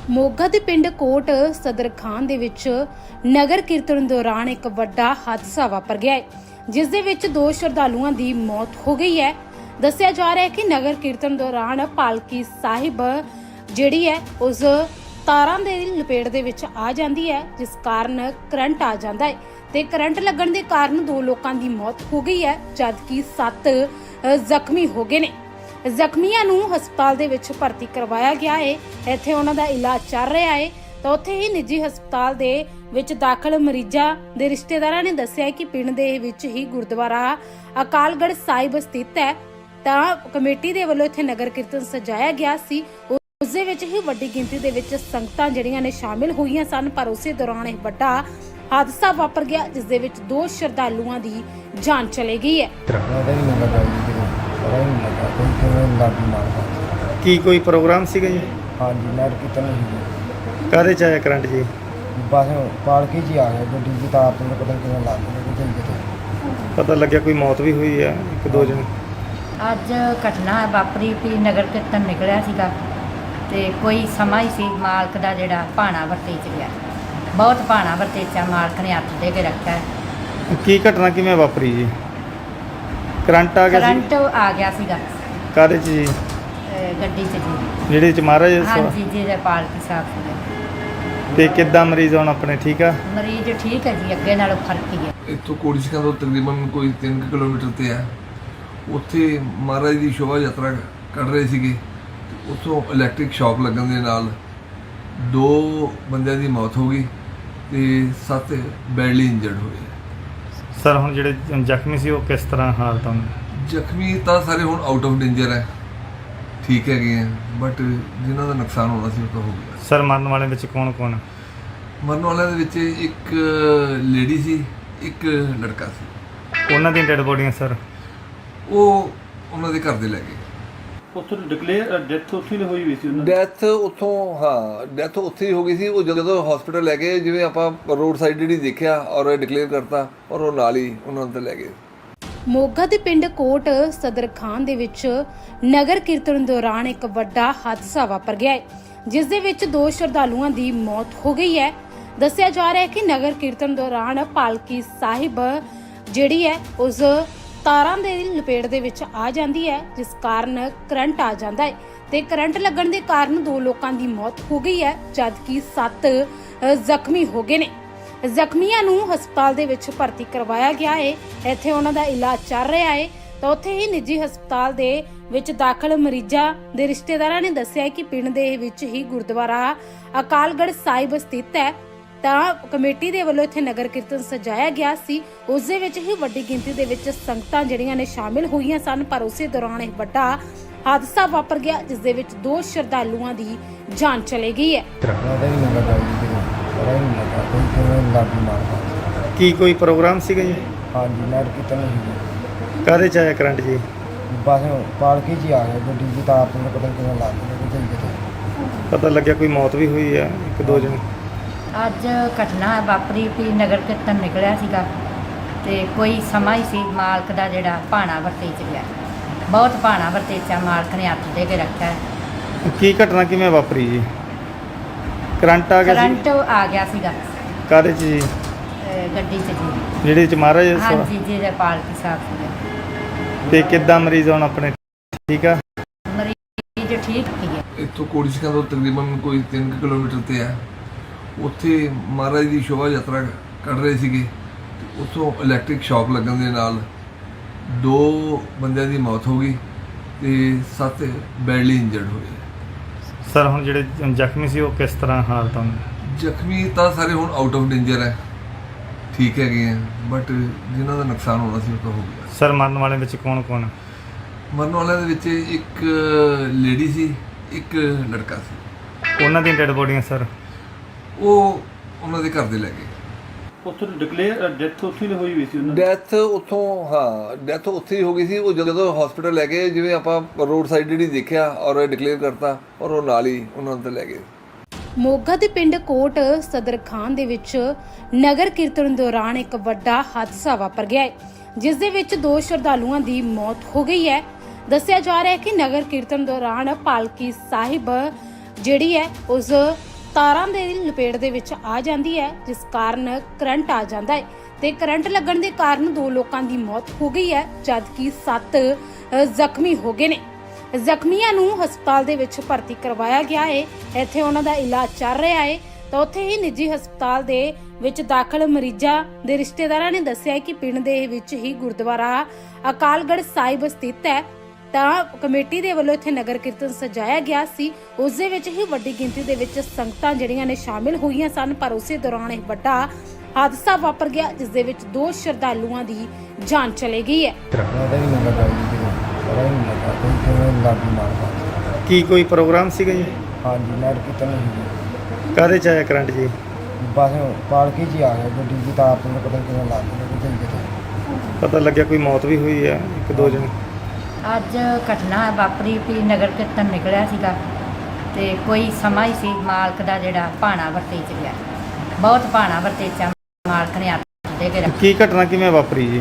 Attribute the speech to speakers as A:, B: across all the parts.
A: ਮੋਗਾ ਦੇ ਪਿੰਡ ਕੋਟ ਸਦਰ ਖਾਨ ਦੇ ਵਿੱਚ ਨਗਰ ਕੀਰਤਨ ਦੌਰਾਨ ਇੱਕ ਵੱਡਾ ਹਾਦਸਾ ਵਾਪਰ ਗਿਆ ਹੈ, ਜਿਸ ਦੇ ਵਿੱਚ ਦੋ ਸ਼ਰਧਾਲੂਆਂ ਦੀ ਮੌਤ ਹੋ ਗਈ ਹੈ। ਦੱਸਿਆ ਜਾ ਰਿਹਾ ਹੈ ਕਿ ਨਗਰ ਕੀਰਤਨ ਦੌਰਾਨ ਪਾਲਕੀ ਸਾਹਿਬ ਜਿਹੜੀ ਹੈ ਉਸ ਤਾਰਾਂ ਦੇ ਲਪੇਟ ਦੇ ਵਿੱਚ ਆ ਜਾਂਦੀ ਹੈ, ਜਿਸ ਕਾਰਨ ਕਰੰਟ ਆ ਜਾਂਦਾ ਹੈ ਤੇ ਕਰੰਟ ਲੱਗਣ ਦੇ ਕਾਰਨ ਦੋ ਲੋਕਾਂ ਦੀ ਮੌਤ ਹੋ ਗਈ ਹੈ, ਜਦਕਿ 7 ਜ਼ਖਮੀ ਹੋ ਗਏ ਨੇ। ਜ਼ਖਮੀਆਂ ਨੂੰ ਹਸਪਤਾਲ ਦੇ ਵਿੱਚ ਭਰਤੀ ਕਰਵਾਇਆ ਗਿਆ ਹੈ। ਇੱਥੇ ਉਹਨਾਂ ਦਾ ਇਲਾਜ ਚੱਲ ਰਿਹਾ ਹੈ। ਤਾਂ ਉੱਥੇ ਹੀ ਨਿੱਜੀ ਹਸਪਤਾਲ ਦੇ ਵਿੱਚ ਦਾਖਲ ਮਰੀਜ਼ਾਂ ਦੇ ਰਿਸ਼ਤੇਦਾਰਾਂ ਨੇ ਦੱਸਿਆ ਕਿ ਪਿੰਡ ਦੇ ਵਿੱਚ ਹੀ ਗੁਰਦੁਆਰਾ ਅਕਾਲਗੜ੍ਹ ਸਾਹਿਬ ਸਥਿਤ ਹੈ। ਤਾਂ ਕਮੇਟੀ ਦੇ ਵੱਲੋਂ ਇੱਥੇ ਨਗਰ ਕੀਰਤਨ ਸਜਾਇਆ ਗਿਆ ਸੀ। ਉਸ ਦੇ ਵਿੱਚ ਹੀ ਵੱਡੀ ਗਿਣਤੀ ਦੇ ਵਿੱਚ ਸੰਗਤਾਂ ਜਿਹੜੀਆਂ ਨੇ ਸ਼ਾਮਿਲ ਹੋਈਆਂ ਸਨ, ਪਰ ਉਸੇ ਦੌਰਾਨ ਇਹ ਵੱਡਾ ਹਾਦਸਾ ਵਾਪਰ ਗਿਆ, ਜਿਸ ਦੇ ਵਿੱਚ ਦੋ ਸ਼ਰਧਾਲੂਆਂ ਦੀ ਜਾਨ ਚਲੀ ਗਈ ਹੈ।
B: ਕੀ ਕੋਈ ਪ੍ਰੋਗਰਾਮ ਸੀਗਾ ਜੀ?
C: हाँ जी नगर कीर्तन ही
B: ਕਾਹਦੇ ਚ ਆਇਆ ਕਰੰਟ ਜੀ?
C: बस पालकी जी आ गए गड्डी की तार तो पता नहीं कितना ला के लेके गए।
B: ਪਤਾ ਲੱਗਿਆ ਕੋਈ ਮੌਤ ਵੀ ਹੋਈ ਹੈ, ਇੱਕ ਦੋ ਜਣ।
D: ਅੱਜ ਘਟਨਾ ਵਾਪਰੀ ਵੀ ਨਗਰ ਕੀਰਤਨ ਨਿਕਲਿਆ ਸੀਗਾ ਤੇ ਕੋਈ ਸਮਾਂ ਹੀ ਸੀ ਮਾਲਕ ਦਾ ਜਿਹੜਾ ਭਾਣਾ ਵਰਤੇ ਚ ਗਿਆ। ਬਹੁਤ ਭਾਣਾ ਵਰਤੇ ਚ ਮਾਲਕ ਨੇ ਹੱਥ ਦੇ ਕੇ ਰੱਖਿਆ ਹੈ।
B: ਕੀ ਘਟਨਾ ਕਿਵੇਂ ਵਾਪਰੀ ਜੀ? ਕਰੰਟ ਆ ਗਿਆ ਸੀ?
D: ਕਰੰਟ ਆ ਗਿਆ ਸੀਗਾ
B: ਕਾਹਦੇ ਚ ਜੀ?
D: ਗੱਡੀ ਚ ਜੀ।
B: ਜਿਹੜੇ ਚ ਮਹਾਰਾਜ
D: ਹਾਂਜੀ ਜਿਹਦੇ ਪਾਲਕੀ ਸਾਹਿਬ ਸੀਗੇ।
B: ਤੇ ਕਿੱਦਾਂ ਮਰੀਜ਼ ਹੁਣ ਆਪਣੇ ਠੀਕ ਆ?
D: ਮਰੀਜ਼ ਠੀਕ ਹੈ ਜੀ, ਅੱਗੇ ਨਾਲੋਂ ਫਰਕ ਹੀ ਹੈ।
E: ਇੱਥੋਂ ਕੋੜੀਸਕਾਂ ਤੋਂ ਤਕਰੀਬਨ ਕੋਈ 3 ਕਿਲੋਮੀਟਰ ਤੇ ਆ। ਉੱਥੇ ਮਹਾਰਾਜ ਦੀ ਸ਼ੋਭਾ ਯਾਤਰਾ ਕੱਢ ਰਹੇ ਸੀਗੇ। ਉੱਥੋਂ ਇਲੈਕਟ੍ਰਿਕ ਸ਼ੌਕ ਲੱਗਣ ਦੇ ਨਾਲ 2 ਬੰਦਿਆਂ ਦੀ ਮੌਤ ਹੋ ਗਈ ਤੇ 7 ਬੈਡਲੀ ਇੰਜਰਡ ਹੋਏ।
B: ਸਰ ਹੁਣ ਜਿਹੜੇ ਜ਼ਖਮੀ ਸੀ ਉਹ ਕਿਸ ਤਰ੍ਹਾਂ ਹਾਲਤ ਹਨ?
E: ਜ਼ਖਮੀ ਤਾਂ ਸਾਰੇ ਹੁਣ ਆਊਟ ਆਫ ਡੇਂਜਰ ਹੈ, ਠੀਕ ਹੈਗੇ ਆ, ਬਟ ਜਿਨ੍ਹਾਂ ਦਾ ਨੁਕਸਾਨ ਹੋਣਾ ਸੀ ਉਹ ਤਾਂ ਹੋ ਗਿਆ।
B: ਸਰ ਮਰਨ ਵਾਲਿਆਂ ਵਿੱਚ ਕੌਣ ਕੌਣ?
E: ਮਰਨ ਵਾਲਿਆਂ ਦੇ ਵਿੱਚ ਇੱਕ ਲੇਡੀ ਸੀ, ਇੱਕ ਲੜਕਾ ਸੀ।
B: ਉਹਨਾਂ ਦੀਆਂ ਡੈਡ ਬੋਡੀਆਂ ਸਰ?
E: ਉਹ ਉਹਨਾਂ ਦੇ ਘਰ ਦੇ ਲੈ ਗਏ।
F: ਉੱਥੋਂ ਡਿਕਲੇਅਰ ਡੈਥ ਉੱਥੇ ਹੀ ਹੋਈ ਵੀ ਸੀ ਉਹਨਾਂ ਦੀ।
E: ਡੈਥ ਉੱਥੋਂ ਡੈਥ ਉੱਥੇ ਹੀ ਹੋ ਗਈ ਸੀ। ਉਹ ਜਦੋਂ ਹਸਪੀਟਲ ਲੈ ਗਏ, ਜਿਵੇਂ ਆਪਾਂ ਰੋਡ ਸਾਈਡ ਜਿਹੜੀ ਦੇਖਿਆ ਔਰ ਡਿਕਲੇਅਰ ਕਰਤਾ, ਔਰ ਉਹ ਨਾਲ ਹੀ ਉਹਨਾਂ ਨੂੰ ਲੈ ਗਏ।
A: ਮੋਗਾ ਦੇ ਪਿੰਡ ਕੋਟ ਸਦਰ ਖਾਨ ਦੇ ਵਿੱਚ ਨਗਰ ਕੀਰਤਨ ਦੌਰਾਨ ਇੱਕ ਵੱਡਾ ਹਾਦਸਾ ਵਾਪਰ ਗਿਆ ਹੈ, ਜਿਸ ਦੇ ਵਿੱਚ ਦੋ ਸ਼ਰਧਾਲੂਆਂ ਦੀ ਮੌਤ ਹੋ ਗਈ ਹੈ। ਦੱਸਿਆ ਜਾ ਰਿਹਾ ਹੈ ਕਿ ਨਗਰ ਕੀਰਤਨ ਦੌਰਾਨ ਪਾਲਕੀ ਸਾਹਿਬ ਜਿਹੜੀ ਹੈ ਉਸ ਤਾਰਾਂ ਦੇ ਲਪੇਟ ਦੇ ਵਿੱਚ ਆ ਜਾਂਦੀ ਹੈ, ਜਿਸ ਕਾਰਨ ਕਰੰਟ ਆ ਜਾਂਦਾ ਹੈ ਤੇ ਕਰੰਟ ਲੱਗਣ ਦੇ ਕਾਰਨ ਦੋ ਲੋਕਾਂ ਦੀ ਮੌਤ ਹੋ ਗਈ ਹੈ, ਜਦਕਿ 7 ਜ਼ਖਮੀ ਹੋ ਗਏ ਨੇ। ਜ਼ਖਮੀਆਂ ਨੂੰ ਹਸਪਤਾਲ ਦੇ ਵਿੱਚ ਭਰਤੀ ਕਰਵਾਇਆ ਗਿਆ ਹੈ। ਇੱਥੇ ਉਹਨਾਂ ਦਾ ਇਲਾਜ ਚੱਲ ਰਿਹਾ ਹੈ। ਤਾਂ ਉੱਥੇ ਹੀ ਨਿੱਜੀ ਹਸਪਤਾਲ ਦੇ ਵਿੱਚ ਦਾਖਲ ਮਰੀਜ਼ਾਂ ਦੇ ਰਿਸ਼ਤੇਦਾਰਾਂ ਨੇ ਦੱਸਿਆ ਕਿ ਪਿੰਡ ਦੇ ਵਿੱਚ ਹੀ ਗੁਰਦੁਆਰਾ ਅਕਾਲਗੜ੍ਹ ਸਾਹਿਬ ਸਥਿਤ ਹੈ। ਤਾਂ ਕਮੇਟੀ ਦੇ ਵੱਲੋਂ ਇੱਥੇ ਨਗਰ ਕੀਰਤਨ ਸਜਾਇਆ ਗਿਆ ਸੀ। ਉਸ ਦੇ ਵਿੱਚ ਹੀ ਵੱਡੀ ਗਿਣਤੀ ਦੇ ਵਿੱਚ ਸੰਗਤਾਂ ਜਿਹੜੀਆਂ ਨੇ ਸ਼ਾਮਿਲ ਹੋਈਆਂ ਸਨ, ਪਰ ਉਸੇ ਦੌਰਾਨ ਇਹ ਵੱਡਾ ਹਾਦਸਾ ਵਾਪਰ ਗਿਆ, ਜਿਸ ਦੇ ਵਿੱਚ ਦੋ ਸ਼ਰਧਾਲੂਆਂ ਦੀ ਜਾਨ ਚਲੀ ਗਈ ਹੈ।
B: ਕੀ ਕੋਈ ਪ੍ਰੋਗਰਾਮ ਸੀਗਾ ਜੀ?
C: हाँ जी नगर कीर्तन ही
B: ਕਾਹਦੇ ਚ ਆਇਆ ਕਰੰਟ ਜੀ?
C: बस पालकी जी आ गए गड्डी की तार तो पता नहीं कितना ला के लेके गए।
B: ਪਤਾ ਲੱਗਿਆ ਕੋਈ ਮੌਤ ਵੀ ਹੋਈ ਹੈ, ਇੱਕ ਦੋ ਜਣ।
D: ਅੱਜ ਘਟਨਾ ਵਾਪਰੀ ਵੀ ਨਗਰ ਕੀਰਤਨ ਨਿਕਲਿਆ ਸੀਗਾ ਤੇ ਕੋਈ ਸਮਾਂ ਹੀ ਸੀ ਮਾਲਕ ਦਾ ਜਿਹੜਾ ਭਾਣਾ ਵਰਤੇ ਚ ਗਿਆ। ਬਹੁਤ ਭਾਣਾ ਵਰਤੇ ਚ ਮਾਲਕ ਨੇ ਹੱਥ ਦੇ ਕੇ ਰੱਖਿਆ ਹੈ।
B: ਕੀ ਘਟਨਾ ਕਿਵੇਂ ਵਾਪਰੀ ਜੀ? ਕਰੰਟ ਆ ਗਿਆ ਸੀ?
D: ਕਰੰਟ ਆ ਗਿਆ ਸੀਗਾ
B: ਕਾਹਦੇ ਚ ਜੀ?
D: ਗੱਡੀ ਚ ਜੀ।
B: ਜਿਹੜੇ ਚ ਮਹਾਰਾਜ
D: ਹਾਂਜੀ ਜਿਹਦੇ ਪਾਲਕੀ ਸਾਹਿਬ ਸੀਗੇ।
B: ਤੇ ਕਿੱਦਾਂ ਮਰੀਜ਼ ਹੁਣ ਆਪਣੇ ਠੀਕ ਆ?
D: ਮਰੀਜ਼ ਠੀਕ ਹੀ ਹੈ।
E: ਇੱਥੋਂ ਕੋੜੀਸਕਾਂ ਤੋਂ ਤਕਰੀਬਨ ਕੋਈ 3 ਕਿਲੋਮੀਟਰ ਤੇ ਆ। ਉੱਥੇ ਮਹਾਰਾਜ ਦੀ ਸ਼ੋਭਾ ਯਾਤਰਾ ਕੱਢ ਰਹੇ ਸੀਗੇ। ਉੱਥੋਂ ਇਲੈਕਟ੍ਰਿਕ ਸ਼ੌਕ ਲੱਗਣ ਦੇ ਨਾਲ 2 ਬੰਦਿਆਂ ਦੀ ਮੌਤ ਹੋ ਗਈ ਤੇ 7 ਬੈਡਲੀ ਇੰਜਰਡ ਹੋਏ।
B: ਸਰ ਹੁਣ ਜਿਹੜੇ ਜ਼ਖਮੀ ਸੀ ਉਹ ਕਿਸ ਤਰ੍ਹਾਂ ਹਾਲਤ ਹਨ?
E: ਜ਼ਖਮੀ ਤਾਂ ਸਾਰੇ ਹੁਣ ਆਊਟ ਆਫ ਡੇਂਜਰ ਹੈ, ਠੀਕ ਹੈਗੇ ਆ, ਬਟ ਜਿਨ੍ਹਾਂ ਦਾ ਨੁਕਸਾਨ ਹੋਣਾ ਸੀ ਉਹ ਤਾਂ ਹੋ ਗਿਆ।
B: ਸਰ ਮਰਨ ਵਾਲਿਆਂ ਵਿੱਚ ਕੌਣ ਕੌਣ?
E: ਮਰਨ ਵਾਲਿਆਂ ਦੇ ਵਿੱਚ ਇੱਕ ਲੇਡੀ ਸੀ, ਇੱਕ ਲੜਕਾ ਸੀ।
B: ਉਹਨਾਂ ਦੀਆਂ ਡੈਡ ਬੋਡੀਆਂ ਸਰ?
E: ਉਹ ਉਹਨਾਂ ਦੇ ਘਰ ਦੇ ਲੈ ਗਏ।
F: ਉੱਥੋਂ ਡਿਕਲੇਅਰ ਡੈਥ ਉੱਥੇ ਹੀ ਹੋਈ ਵੀ ਸੀ ਉਹਨਾਂ ਦੀ।
E: ਡੈਥ ਉੱਥੋਂ ਡੈਥ ਉੱਥੇ ਹੀ ਹੋ ਗਈ ਸੀ। ਉਹ ਜਦੋਂ ਹਸਪੀਟਲ ਲੈ ਗਏ, ਜਿਵੇਂ ਆਪਾਂ ਰੋਡ ਸਾਈਡ ਜਿਹੜੀ ਦੇਖਿਆ ਔਰ ਡਿਕਲੇਅਰ ਕਰਤਾ, ਔਰ ਉਹ ਨਾਲ ਹੀ ਉਹਨਾਂ ਨੂੰ ਲੈ ਗਏ।
A: ਮੋਗਾ ਦੇ ਪਿੰਡ ਕੋਟ ਸਦਰ ਖਾਨ ਦੇ ਵਿੱਚ ਨਗਰ ਕੀਰਤਨ ਦੌਰਾਨ ਇੱਕ ਵੱਡਾ ਹਾਦਸਾ ਵਾਪਰ ਗਿਆ ਹੈ, ਜਿਸ ਦੇ ਵਿੱਚ ਦੋ ਸ਼ਰਧਾਲੂਆਂ ਦੀ ਮੌਤ ਹੋ ਗਈ ਹੈ। ਦੱਸਿਆ ਜਾ ਰਿਹਾ ਹੈ ਕਿ ਨਗਰ ਕੀਰਤਨ ਦੌਰਾਨ ਪਾਲਕੀ ਸਾਹਿਬ ਜਿਹੜੀ ਹੈ ਉਸ ਤਾਰਾਂ ਦੇ ਲਪੇਟ ਦੇ ਵਿੱਚ ਆ ਜਾਂਦੀ ਹੈ, ਜਿਸ ਕਾਰਨ ਕਰੰਟ ਆ ਜਾਂਦਾ ਹੈ ਤੇ ਕਰੰਟ ਲੱਗਣ ਦੇ ਕਾਰਨ 2 ਲੋਕਾਂ ਦੀ ਮੌਤ ਹੋ ਗਈ ਹੈ, ਜਦਕਿ 7 ਜ਼ਖਮੀ ਹੋ ਗਏ ਨੇ। ਜ਼ਖਮੀਆਂ ਨੂੰ ਹਸਪਤਾਲ ਦੇ ਵਿੱਚ ਭਰਤੀ ਕਰਵਾਇਆ ਗਿਆ ਹੈ। ਇੱਥੇ ਉਹਨਾਂ ਦਾ ਇਲਾਜ ਚੱਲ ਰਿਹਾ ਹੈ ਤਾਂ ਉੱਥੇ ਹੀ ਨਿੱਜੀ ਹਸਪਤਾਲ ਦੇ ਵਿੱਚ ਦਾਖਲ ਮਰੀਜ਼ਾਂ ਦੇ ਰਿਸ਼ਤੇਦਾਰਾਂ ਨੇ ਦੱਸਿਆ ਕਿ ਪਿੰਡ ਦੇ ਵਿੱਚ ਹੀ ਗੁਰਦੁਆਰਾ ਅਕਾਲਗੜ੍ਹ ਸਾਹਿਬ ਸਥਿਤ ਹੈ ਤਾਂ ਕਮੇਟੀ ਦੇ ਵੱਲੋਂ ਇੱਥੇ ਨਗਰ ਕੀਰਤਨ ਸਜਾਇਆ ਗਿਆ ਸੀ। ਉਸ ਦੇ ਵਿੱਚ ਹੀ ਵੱਡੀ ਗਿਣਤੀ ਦੇ ਵਿੱਚ ਸੰਗਤਾਂ ਜਿਹੜੀਆਂ ਨੇ ਸ਼ਾਮਿਲ ਹੋਈਆਂ ਸਨ, ਪਰ ਉਸੇ ਦੌਰਾਨ ਇੱਕ ਵੱਡਾ ਹਾਦਸਾ ਵਾਪਰ ਗਿਆ, ਜਿਸ ਦੇ ਵਿੱਚ 2 ਸ਼ਰਧਾਲੂਆਂ ਦੀ ਜਾਨ ਚਲੀ ਗਈ ਹੈ।
C: ਉਹਦਾ ਹੀ ਨਹੀਂ ਲੱਗਾ ਜੀ ਕਿਤੇ ਪਤਾ ਹੀ ਨਹੀਂ ਲੱਗਾ ਕੋਈ ਕਿਵੇਂ ਲਾਗੀ ਮਾਰਦਾ।
B: ਕੀ ਕੋਈ ਪ੍ਰੋਗਰਾਮ ਸੀਗਾ ਜੀ?
C: ਹਾਂਜੀ ਨਗਰ ਕੀਰਤਨ ਸੀ
B: ਕਾਹਦੇ ਚ ਆਇਆ ਕਰੰਟ ਜੀ?
C: ਬਸ ਪਾਲਕੀ 'ਚ ਹੀ ਆ ਗਿਆ ਗੱਡੀ ਦੀ ਤਾਰ ਤੋਂ ਪਤਾ ਨਹੀਂ ਕਿਵੇਂ ਲੱਗ ਗਈ ਕਿਤੇ।
B: ਪਤਾ ਲੱਗਿਆ ਕੋਈ ਮੌਤ ਵੀ ਹੋਈ ਹੈ, 1-2 ਜਣੇ।
D: ਅੱਜ ਘਟਨਾ ਵਾਪਰੀ ਵੀ ਨਗਰ ਕੀਰਤਨ ਨਿਕਲਿਆ ਸੀਗਾ ਤੇ ਕੋਈ ਸਮਾਂ ਹੀ ਸੀ ਮਾਲਕ ਦਾ ਜਿਹੜਾ ਭਾਣਾ ਵਰਤੇ ਚ ਗਿਆ। ਬਹੁਤ ਭਾਣਾ ਵਰਤੇ ਚ ਮਾਲਕ ਨੇ ਹੱਥ ਦੇ ਕੇ ਰੱਖਿਆ।
B: ਕੀ ਘਟਨਾ ਕਿਵੇਂ ਵਾਪਰੀ ਜੀ?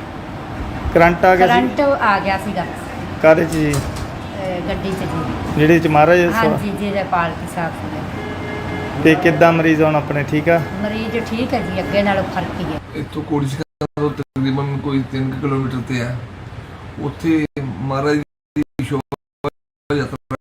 B: ਕਰੰਟ ਆ ਗਿਆ ਸੀ?
D: ਕਰੰਟ ਆ ਗਿਆ ਸੀਗਾ
B: ਕਾਹਦੇ ਚ ਜੀ?
D: ਗੱਡੀ ਚ ਜੀ।
B: ਜਿਹੜੇ ਚ ਮਹਾਰਾਜ
D: ਹਾਂਜੀ ਜਿਹਦੇ ਪਾਲਕੀ ਸਾਹਿਬ ਸੀਗੇ।
B: ਤੇ ਕਿੱਦਾਂ ਮਰੀਜ਼ ਹੁਣ ਆਪਣੇ ਠੀਕ ਆ?
D: ਮਰੀਜ਼ ਠੀਕ ਹੈ ਜੀ, ਅੱਗੇ ਨਾਲੋਂ ਫਰਕ ਹੀ ਹੈ।
E: ਇੱਥੋਂ ਕੋੜੀਸ਼ਕਾ ਤੋਂ ਤਕਰੀਬਨ ਕੋਈ 3 ਕਿਲੋਮੀਟਰ ਤੇ ਆ। ਉੱਥੇ ਮਹਾਰਾਜ ਦੀ ਸ਼ੋਭਾ ਯਾਤਰਾ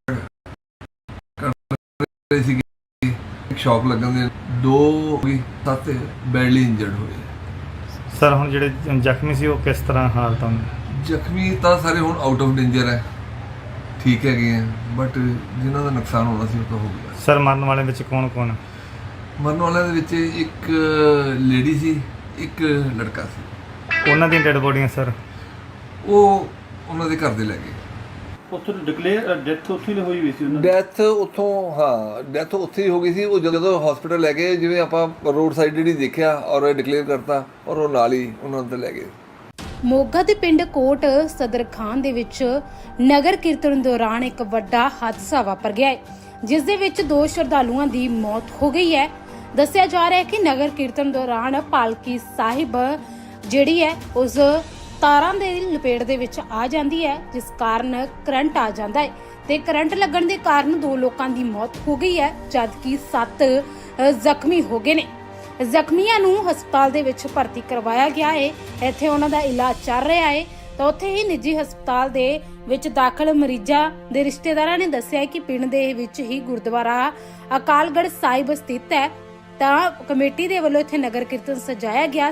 E: ਕਰ ਰਹੇ ਸੀਗੇ। ਇੱਕ ਸ਼ੌਕ ਲੱਗਣ ਦੇ 2 7 ਬੈਡਲੀ ਇੰਜਰਡ ਹੋਏ।
B: ਸਰ ਹੁਣ ਜਿਹੜੇ ਜ਼ਖਮੀ ਸੀ ਉਹ ਕਿਸ ਤਰ੍ਹਾਂ ਹਾਲਤ ਹਨ?
E: ਜ਼ਖਮੀ ਤਾਂ ਸਾਰੇ ਹੁਣ ਆਊਟ ਆਫ ਡੇਂਜਰ ਹੈ, ਠੀਕ ਹੈਗੇ ਆ, ਬਟ ਜਿਨ੍ਹਾਂ ਦਾ ਨੁਕਸਾਨ ਹੋਣਾ ਸੀ ਉਹ ਤਾਂ ਹੋ ਗਿਆ।
B: ਸਰ ਮਰਨ ਵਾਲੇ ਵਿੱਚ ਕੌਣ?
E: ਮਰਨ ਵਾਲਿਆਂ ਦੇ ਵਿੱਚ ਇੱਕ ਲੇਡੀ ਸੀ, ਇੱਕ ਲੜਕਾ ਸੀ।
B: ਉਹਨਾਂ ਦੀਆਂ ਡੈਡ ਬੋਡੀਆਂ ਸਰ?
E: ਉਹ ਉਹਨਾਂ ਦੇ ਘਰ ਦੇ ਲੈ ਗਏ।
F: ਉੱਥੇ ਡਿਕਲੇਅਰ ਡੈਥ ਉੱਥੇ ਹੀ ਹੋਈ ਸੀ ਉਹਨਾਂ ਦੀ।
E: ਡੈਥ ਉੱਥੋਂ ਡੈਥ ਉੱਥੇ ਹੀ ਹੋ ਗਈ ਸੀ। ਉਹ ਜਦੋਂ ਹਸਪੀਟਲ ਲੈ ਗਏ, ਜਿਵੇਂ ਆਪਾਂ ਰੋਡ ਸਾਈਡ ਜਿਹੜੀ ਦੇਖਿਆ ਔਰ ਡਿਕਲੇਅਰ ਕਰਤਾ ਔਰ ਉਹ ਨਾਲ ਹੀ ਉਹਨਾਂ ਨੂੰ ਲੈ ਗਏ।
A: ਮੋਗਾ ਦੇ ਪਿੰਡ ਕੋਟ ਸਦਰ ਖਾਨ ਦੇ ਵਿੱਚ ਨਗਰ ਕੀਰਤਨ ਦੌਰਾਨ ਇੱਕ ਵੱਡਾ ਹਾਦਸਾ ਵਾਪਰ ਗਿਆ ਹੈ, ਜਿਸ ਦੇ ਵਿੱਚ 2 ਸ਼ਰਧਾਲੂਆਂ ਦੀ ਮੌਤ ਹੋ ਗਈ ਹੈ। ਦੱਸਿਆ ਜਾ ਰਿਹਾ ਹੈ ਕਿ ਨਗਰ ਕੀਰਤਨ ਦੌਰਾਨ ਪਾਲਕੀ ਸਾਹਿਬ ਜਿਹੜੀ ਹੈ ਉਸ ਤਾਰਾਂ ਦੇ ਲਪੇਟ ਦੇ ਵਿੱਚ ਆ ਜਾਂਦੀ ਹੈ, ਜਿਸ ਕਾਰਨ ਕਰੰਟ ਆ ਜਾਂਦਾ ਹੈ ਤੇ ਕਰੰਟ ਲੱਗਣ ਦੇ ਕਾਰਨ 2 ਲੋਕਾਂ ਦੀ ਮੌਤ ਹੋ ਗਈ ਹੈ, ਜਦਕਿ 7 ਜ਼ਖਮੀ ਹੋ ਗਏ ਨੇ। ਜ਼ਖਮੀਆਂ ਨੂੰ ਹਸਪਤਾਲ ਦੇ ਵਿੱਚ ਭਰਤੀ ਕਰਵਾਇਆ ਗਿਆ ਹੈ। ਇੱਥੇ ਉਹਨਾਂ ਦਾ ਇਲਾਜ ਚੱਲ ਰਿਹਾ ਹੈ ਤਾਂ ਉੱਥੇ ਹੀ ਨਿੱਜੀ ਹਸਪਤਾਲ ਦੇ ਵਿੱਚ ਦਾਖਲ ਮਰੀਜ਼ਾਂ ਦੇ ਰਿਸ਼ਤੇਦਾਰਾਂ ਨੇ ਦੱਸਿਆ ਕਿ ਪਿੰਡ ਦੇ ਵਿੱਚ ਹੀ ਗੁਰਦੁਆਰਾ ਅਕਾਲਗੜ੍ਹ ਸਾਹਿਬ ਸਥਿਤ ਹੈ ਤਾਂ ਕਮੇਟੀ ਦੇ ਵੱਲੋਂ ਇੱਥੇ ਨਗਰ ਕੀਰਤਨ ਸਜਾਇਆ ਗਿਆ।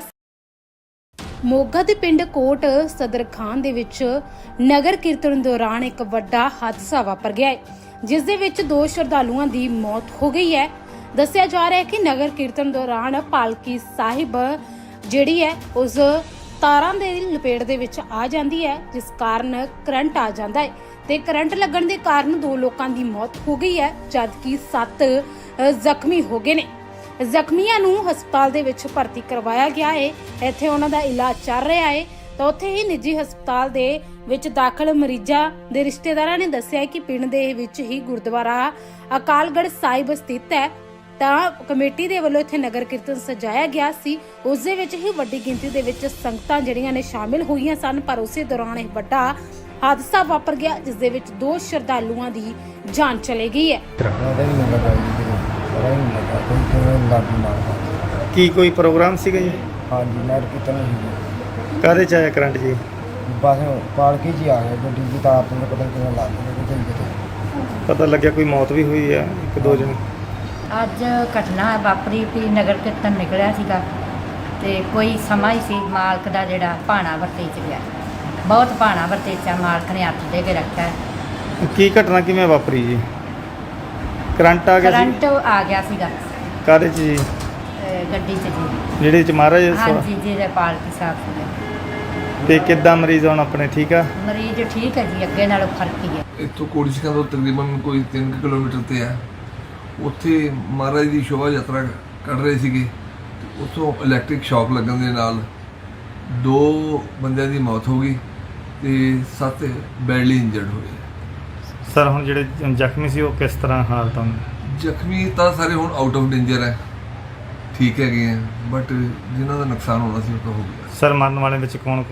A: ਮੋਗਾ ਦੇ ਪਿੰਡ ਕੋਟ ਸਦਰ ਖਾਨ ਦੇ ਵਿੱਚ ਨਗਰ ਕੀਰਤਨ ਦੌਰਾਨ ਇੱਕ ਵੱਡਾ ਹਾਦਸਾ ਵਾਪਰ ਗਿਆ ਹੈ, ਜਿਸ ਦੇ ਵਿੱਚ 2 ਸ਼ਰਧਾਲੂਆਂ ਦੀ ਮੌਤ ਹੋ ਗਈ ਹੈ। ਦੱਸਿਆ ਜਾ ਰਿਹਾ ਹੈ ਕਿ ਨਗਰ ਕੀਰਤਨ ਦੌਰਾਨ ਪਾਲਕੀ ਸਾਹਿਬ ਜਿਹੜੀ ਹੈ ਉਸ ਤਾਰਾਂ ਦੇ ਲਪੇਟ ਦੇ ਵਿੱਚ ਆ ਜਾਂਦੀ ਹੈ, ਜਿਸ ਕਾਰਨ ਕਰੰਟ ਆ ਜਾਂਦਾ ਹੈ ਤੇ ਕਰੰਟ ਲੱਗਣ ਦੇ ਕਾਰਨ 2 ਲੋਕਾਂ ਦੀ ਮੌਤ ਹੋ ਗਈ ਹੈ, ਜਦਕਿ 7 ਜ਼ਖਮੀ ਹੋ ਗਏ ਨੇ। ਜ਼ਖਮੀਆਂ ਨੂੰ ਹਸਪਤਾਲ ਦੇ ਵਿੱਚ ਭਰਤੀ ਕਰਵਾਇਆ ਗਿਆ ਹੈ। ਇੱਥੇ ਉਹਨਾਂ ਦਾ ਇਲਾਜ ਚੱਲ ਰਿਹਾ ਹੈ ਤਾਂ ਉੱਥੇ ਹੀ ਨਿੱਜੀ ਹਸਪਤਾਲ ਦੇ ਵਿੱਚ ਦਾਖਲ ਮਰੀਜ਼ਾਂ ਦੇ ਰਿਸ਼ਤੇਦਾਰਾਂ ਨੇ ਦੱਸਿਆ ਕਿ ਪਿੰਡ ਦੇ ਵਿੱਚ ਹੀ ਗੁਰਦੁਆਰਾ ਅਕਾਲਗੜ੍ਹ ਸਾਹਿਬ ਸਥਿਤ ਹੈ ਤਾਂ ਕਮੇਟੀ ਦੇ ਵੱਲੋਂ ਇੱਥੇ ਨਗਰ ਕੀਰਤਨ ਸਜਾਇਆ ਗਿਆ ਸੀ। ਉਸ ਦੇ ਵਿੱਚ ਹੀ ਵੱਡੀ ਗਿਣਤੀ ਦੇ ਵਿੱਚ ਸੰਗਤਾਂ ਜਿਹੜੀਆਂ ਨੇ ਸ਼ਾਮਿਲ ਹੋਈਆਂ ਸਨ, ਪਰ ਉਸੇ ਦੌਰਾਨ ਇੱਕ ਵੱਡਾ ਹਾਦਸਾ ਵਾਪਰ ਗਿਆ, ਜਿਸ ਦੇ ਵਿੱਚ 2 ਸ਼ਰਧਾਲੂਆਂ ਦੀ ਜਾਨ ਚਲੀ ਗਈ ਹੈ।
C: ਉਹਦਾ ਹੀ ਨਹੀਂ ਲੱਗਾ ਜੀ ਕਿਤੇ ਪਤਾ ਹੀ ਨਹੀਂ ਲੱਗਾ ਕੋਈ ਕਿਵੇਂ ਲਾਗੀ ਮਾਰਦਾ।
B: ਕੀ ਕੋਈ ਪ੍ਰੋਗਰਾਮ ਸੀਗਾ ਜੀ?
C: ਹਾਂਜੀ ਨਗਰ ਕੀਰਤਨ ਸੀ
B: ਕਾਹਦੇ ਚ ਆਇਆ ਕਰੰਟ ਜੀ?
C: ਬਸ ਪਾਲਕੀ 'ਚ ਹੀ ਆ ਗਿਆ ਗੱਡੀ ਦੀ ਤਾਰ ਤੋਂ ਪਤਾ ਨਹੀਂ ਕਿਵੇਂ ਲੱਗ ਗਈ ਕਿਤੇ।
B: ਪਤਾ ਲੱਗਿਆ ਕੋਈ ਮੌਤ ਵੀ ਹੋਈ ਹੈ, 1-2 ਜਣੇ।
D: ਅੱਜ ਘਟਨਾ ਵਾਪਰੀ ਵੀ ਨਗਰ ਕੀਰਤਨ ਨਿਕਲਿਆ ਸੀਗਾ ਤੇ ਕੋਈ ਸਮਾਂ ਹੀ ਸੀ ਮਾਲਕ ਦਾ ਜਿਹੜਾ ਭਾਣਾ ਵਰਤੇ ਚ ਗਿਆ। ਬਹੁਤ ਭਾਣਾ ਵਰਤੇ ਚ ਮਾਲਕ ਨੇ ਹੱਥ ਦੇ ਕੇ ਰੱਖਿਆ।
B: ਕੀ ਘਟਨਾ ਕਿਵੇਂ ਵਾਪਰੀ ਜੀ? ਕਰੰਟ ਆ ਗਿਆ ਸੀ?
D: ਕਰੰਟ ਆ ਗਿਆ ਸੀਗਾ
B: ਕਾਹਦੇ ਚ ਜੀ?
D: ਗੱਡੀ ਚ ਜੀ।
B: ਜਿਹੜੇ ਚ ਮਹਾਰਾਜ
D: ਹਾਂਜੀ ਜਿਹਦੇ ਪਾਲਕੀ ਸਾਹਿਬ ਸੀਗੇ।
B: ਤੇ ਕਿੱਦਾਂ ਮਰੀਜ਼ ਹੁਣ ਆਪਣੇ ਠੀਕ ਆ?
D: ਮਰੀਜ਼ ਠੀਕ ਹੈ ਜੀ, ਅੱਗੇ ਨਾਲੋਂ ਫਰਕ ਹੀ ਹੈ।
E: ਇੱਥੋਂ ਕੋੜੀਸ਼ਕਾ ਤੋਂ ਤਕਰੀਬਨ ਕੋਈ 3 ਕਿਲੋਮੀਟਰ ਤੇ ਆ। ਉੱਥੇ ਮਹਾਰਾਜ ਦੀ ਸ਼ੋਭਾ ਯਾਤਰਾ ਕੱਢ ਰਹੇ ਸੀਗੇ। ਉੱਥੋਂ ਇਲੈਕਟ੍ਰਿਕ ਸ਼ੌਕ ਲੱਗਣ ਦੇ ਨਾਲ 2 ਬੰਦਿਆਂ ਦੀ ਮੌਤ ਹੋ ਗਈ ਤੇ 7 ਬੈਡਲੀ ਇੰਜਰਡ ਹੋਏ।
B: ਸਰ ਹੁਣ ਜਿਹੜੇ ਜ਼ਖਮੀ ਸੀ ਉਹ ਕਿਸ ਤਰ੍ਹਾਂ ਹਾਲਤ ਹਨ?
E: ਜ਼ਖਮੀ ਤਾਂ ਸਾਰੇ ਹੁਣ ਆਊਟ ਆਫ ਡੇਂਜਰ ਹੈ, ਠੀਕ ਹੈਗੇ ਆ, ਬਟ ਜਿਨ੍ਹਾਂ ਦਾ ਨੁਕਸਾਨ ਹੋਣਾ ਸੀ ਉਹ ਤਾਂ ਹੋ ਗਿਆ।
B: ਸਰ ਮਰਨ ਵਾਲੇ ਵਿੱਚ ਕੌਣ?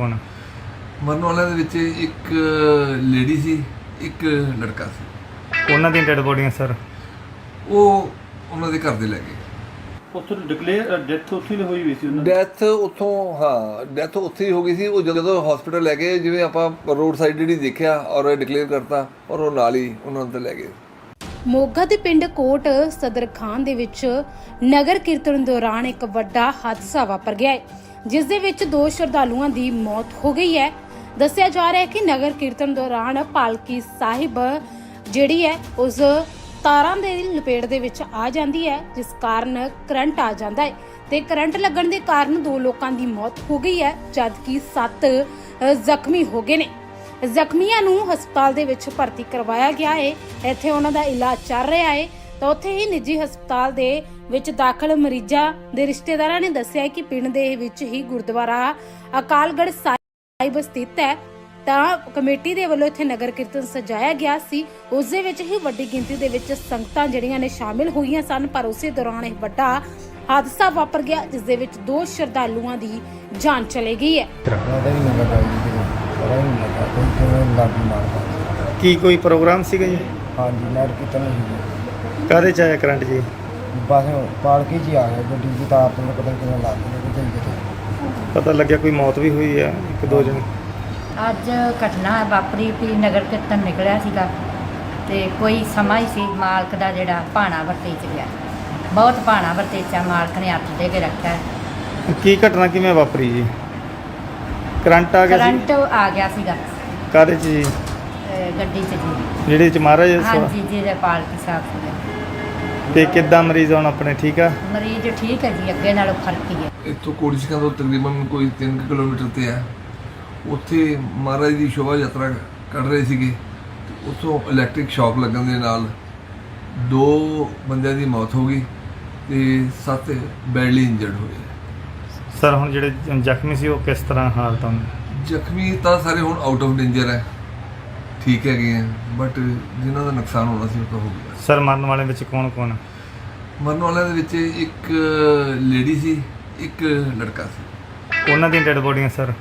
E: ਮਰਨ ਵਾਲਿਆਂ ਦੇ ਵਿੱਚ ਇੱਕ ਲੇਡੀ ਸੀ, ਇੱਕ ਲੜਕਾ ਸੀ।
B: ਉਹਨਾਂ ਦੀਆਂ ਡੈਡ ਬੋਡੀਆਂ ਸਰ?
E: ਉਹ ਉਹਨਾਂ ਦੇ ਘਰ ਦੇ ਲੈ ਗਏ।
F: ਉੱਥੇ ਡਿਕਲੇਅਰ ਡੈਥ ਉੱਥੇ ਹੀ ਹੋਈ ਵੀ ਸੀ ਉਹਨਾਂ ਦੀ।
E: ਡੈਥ ਉੱਥੋਂ ਡੈਥ ਉੱਥੇ ਹੀ ਹੋ ਗਈ ਸੀ। ਉਹ ਜਦੋਂ ਹਸਪੀਟਲ ਲੈ ਗਏ, ਜਿਵੇਂ ਆਪਾਂ ਰੋਡ ਸਾਈਡ ਜਿਹੜੀ ਦੇਖਿਆ ਔਰ ਡਿਕਲੇਅਰ ਕਰਤਾ ਔਰ ਉਹ ਨਾਲ ਹੀ ਉਹਨਾਂ ਨੂੰ ਤੇ ਲੈ ਗਏ।
A: ਮੋਗਾ ਦੇ ਪਿੰਡ ਕੋਟ ਸਦਰ ਖਾਨ ਦੇ ਵਿੱਚ ਨਗਰ ਕੀਰਤਨ ਦੌਰਾਨ ਇੱਕ ਵੱਡਾ ਹਾਦਸਾ ਵਾਪਰ ਗਿਆ ਹੈ, ਜਿਸ ਦੇ ਵਿੱਚ 2 ਸ਼ਰਧਾਲੂਆਂ ਦੀ ਮੌਤ ਹੋ ਗਈ ਹੈ। ਦੱਸਿਆ ਜਾ ਰਿਹਾ ਹੈ ਕਿ ਨਗਰ ਕੀਰਤਨ ਦੌਰਾਨ ਪਾਲਕੀ ਸਾਹਿਬ ਜਿਹੜੀ ਹੈ ਉਸ ਤਾਰਾਂ ਦੇ ਲਪੇਟ ਦੇ ਵਿੱਚ ਆ ਜਾਂਦੀ ਹੈ, ਜਿਸ ਕਾਰਨ ਕਰੰਟ ਆ ਜਾਂਦਾ ਹੈ ਤੇ ਕਰੰਟ ਲੱਗਣ ਦੇ ਕਾਰਨ 2 ਲੋਕਾਂ ਦੀ ਮੌਤ ਹੋ ਗਈ ਹੈ, ਜਦਕਿ 7 ਜ਼ਖਮੀ ਹੋ ਗਏ ਨੇ। ਜ਼ਖਮੀਆਂ ਨੂੰ ਹਸਪਤਾਲ ਦੇ ਵਿੱਚ ਭਰਤੀ ਕਰਵਾਇਆ ਗਿਆ ਹੈ। ਇੱਥੇ ਉਹਨਾਂ ਦਾ ਇਲਾਜ ਚੱਲ ਰਿਹਾ ਹੈ। ਤਾਂ ਉੱਥੇ ਹੀ ਨਿੱਜੀ ਹਸਪਤਾਲ ਦੇ ਵਿੱਚ ਦਾਖਲ ਮਰੀਜ਼ਾਂ ਦੇ ਰਿਸ਼ਤੇਦਾਰਾਂ ਨੇ ਦੱਸਿਆ ਕਿ ਪਿੰਡ ਦੇ ਵਿੱਚ ਹੀ ਗੁਰਦੁਆਰਾ ਅਕਾਲਗੜ੍ਹ ਸਾਹਿਬ ਸਥਿਤ ਹੈ। ਤਾਂ ਕਮੇਟੀ ਦੇ ਵੱਲੋਂ ਇੱਥੇ ਨਗਰ ਕੀਰਤਨ ਸਜਾਇਆ ਗਿਆ ਸੀ। ਉਸ ਦੇ ਵਿੱਚ ਹੀ ਵੱਡੀ ਗਿਣਤੀ ਦੇ ਵਿੱਚ ਸੰਗਤਾਂ ਜਿਹੜੀਆਂ ਨੇ ਸ਼ਾਮਿਲ ਹੋਈਆਂ ਸਨ, ਪਰ ਉਸੇ ਦੌਰਾਨ ਇਹ ਵੱਡਾ ਹਾਦਸਾ ਵਾਪਰ ਗਿਆ, ਜਿਸ ਦੇ ਵਿੱਚ 2 ਸ਼ਰਧਾਲੂਆਂ ਦੀ ਜਾਨ ਚਲੀ ਗਈ ਹੈ।
C: ਉਹਦਾ ਵੀ ਨਹੀਂ ਲੱਗਾ ਜੀ ਕਿਤੇ, ਪਤਾ ਹੀ ਨਹੀਂ ਲੱਗਾ ਕੋਈ ਕਿਵੇਂ ਲਾਗੀ ਮਾਰਦਾ।
B: ਕੀ ਕੋਈ ਪ੍ਰੋਗਰਾਮ ਸੀਗਾ ਜੀ?
C: ਹਾਂਜੀ ਨਗਰ ਕੀਰਤਨ ਸੀ।
B: ਕਾਹਦੇ ਚ ਆਇਆ ਕਰੰਟ ਜੀ?
C: ਬਸ ਪਾਲਕੀ 'ਚ ਹੀ ਆ ਗਿਆ ਗੱਡੀ ਦੀ ਤਾਰ ਤੋਂ ਪਤਾ ਨਹੀਂ ਕਿਵੇਂ ਲੱਗ ਗਈ ਕਿਤੇ।
B: ਪਤਾ ਲੱਗਿਆ ਕੋਈ ਮੌਤ ਵੀ ਹੋਈ ਹੈ, 1-2 ਜਣੇ।
D: ਅੱਜ ਘਟਨਾ ਵਾਪਰੀ ਵੀ ਨਗਰ ਕੀਰਤਨ ਨਿਕਲਿਆ ਸੀਗਾ ਤੇ ਕੋਈ ਸਮਾਂ ਹੀ ਸੀ ਮਾਲਕ ਦਾ ਜਿਹੜਾ ਭਾਣਾ ਵਰਤੇ ਚ ਗਿਆ। ਬਹੁਤ ਭਾਣਾ ਵਰਤੇ ਚ ਮਾਲਕ ਨੇ ਹੱਥ ਦੇ ਕੇ ਰੱਖਿਆ।
B: ਕੀ ਘਟਨਾ ਕਿਵੇਂ ਵਾਪਰੀ ਜੀ? ਕਰੰਟ ਆ ਗਿਆ ਸੀ?
D: ਕਰੰਟ ਆ ਗਿਆ ਸੀਗਾ
B: ਕਾਹਦੇ ਚ ਜੀ?
D: ਗੱਡੀ ਚ ਜੀ।
B: ਜਿਹੜੇ ਚ ਮਹਾਰਾਜ
D: ਹਾਂਜੀ ਜਿਹਦੇ ਪਾਲਕੀ ਸਾਹਿਬ ਸੀਗੇ।
B: ਤੇ ਕਿੱਦਾਂ ਮਰੀਜ਼ ਹੁਣ ਆਪਣੇ ਠੀਕ ਆ?
D: ਮਰੀਜ਼ ਠੀਕ ਹੈ ਜੀ, ਅੱਗੇ ਨਾਲੋਂ ਫਰਕ ਹੀ ਹੈ।
E: ਇੱਥੋਂ ਕੋੜੀਸ਼ਕਾਂ ਤੋਂ ਤਕਰੀਬਨ ਕੋਈ 3 ਕਿਲੋਮੀਟਰ ਤੇ ਹੈ। ਉੱਥੇ ਮਹਾਰਾਜ ਦੀ ਸ਼ੋਭਾ ਯਾਤਰਾ ਕੱਢ ਰਹੇ ਸੀਗੇ ਤੇ ਉੱਥੋਂ ਇਲੈਕਟ੍ਰਿਕ ਸ਼ੌਕ ਲੱਗਣ ਦੇ ਨਾਲ 2 ਬੰਦਿਆਂ ਦੀ ਮੌਤ ਹੋ ਗਈ ਤੇ 7 ਬੈਡਲੀ ਇੰਜਰਡ ਹੋਏ।
B: ਸਰ ਹੁਣ ਜਿਹੜੇ ਜ਼ਖਮੀ ਸੀ ਉਹ ਕਿਸ ਤਰ੍ਹਾਂ ਹਾਲਤ ਹਨ?
E: ਜ਼ਖਮੀ ਤਾਂ ਸਾਰੇ ਹੁਣ ਆਊਟ ਆਫ ਡੇਂਜਰ ਹੈ, ਠੀਕ ਹੈਗੇ ਆ, ਬਟ ਜਿਨ੍ਹਾਂ ਦਾ ਨੁਕਸਾਨ ਹੋਣਾ ਸੀ ਉਹ ਤਾਂ ਹੋ ਗਿਆ।
B: ਸਰ ਮਰਨ ਵਾਲੇ ਵਿੱਚ ਕੌਣ?
E: ਮਰਨ ਵਾਲਿਆਂ ਦੇ ਵਿੱਚ ਇੱਕ ਲੇਡੀ ਸੀ, ਇੱਕ ਲੜਕਾ ਸੀ।
B: ਉਹਨਾਂ ਦੀਆਂ ਡੈਡ ਬੋਡੀਆਂ ਸਰ?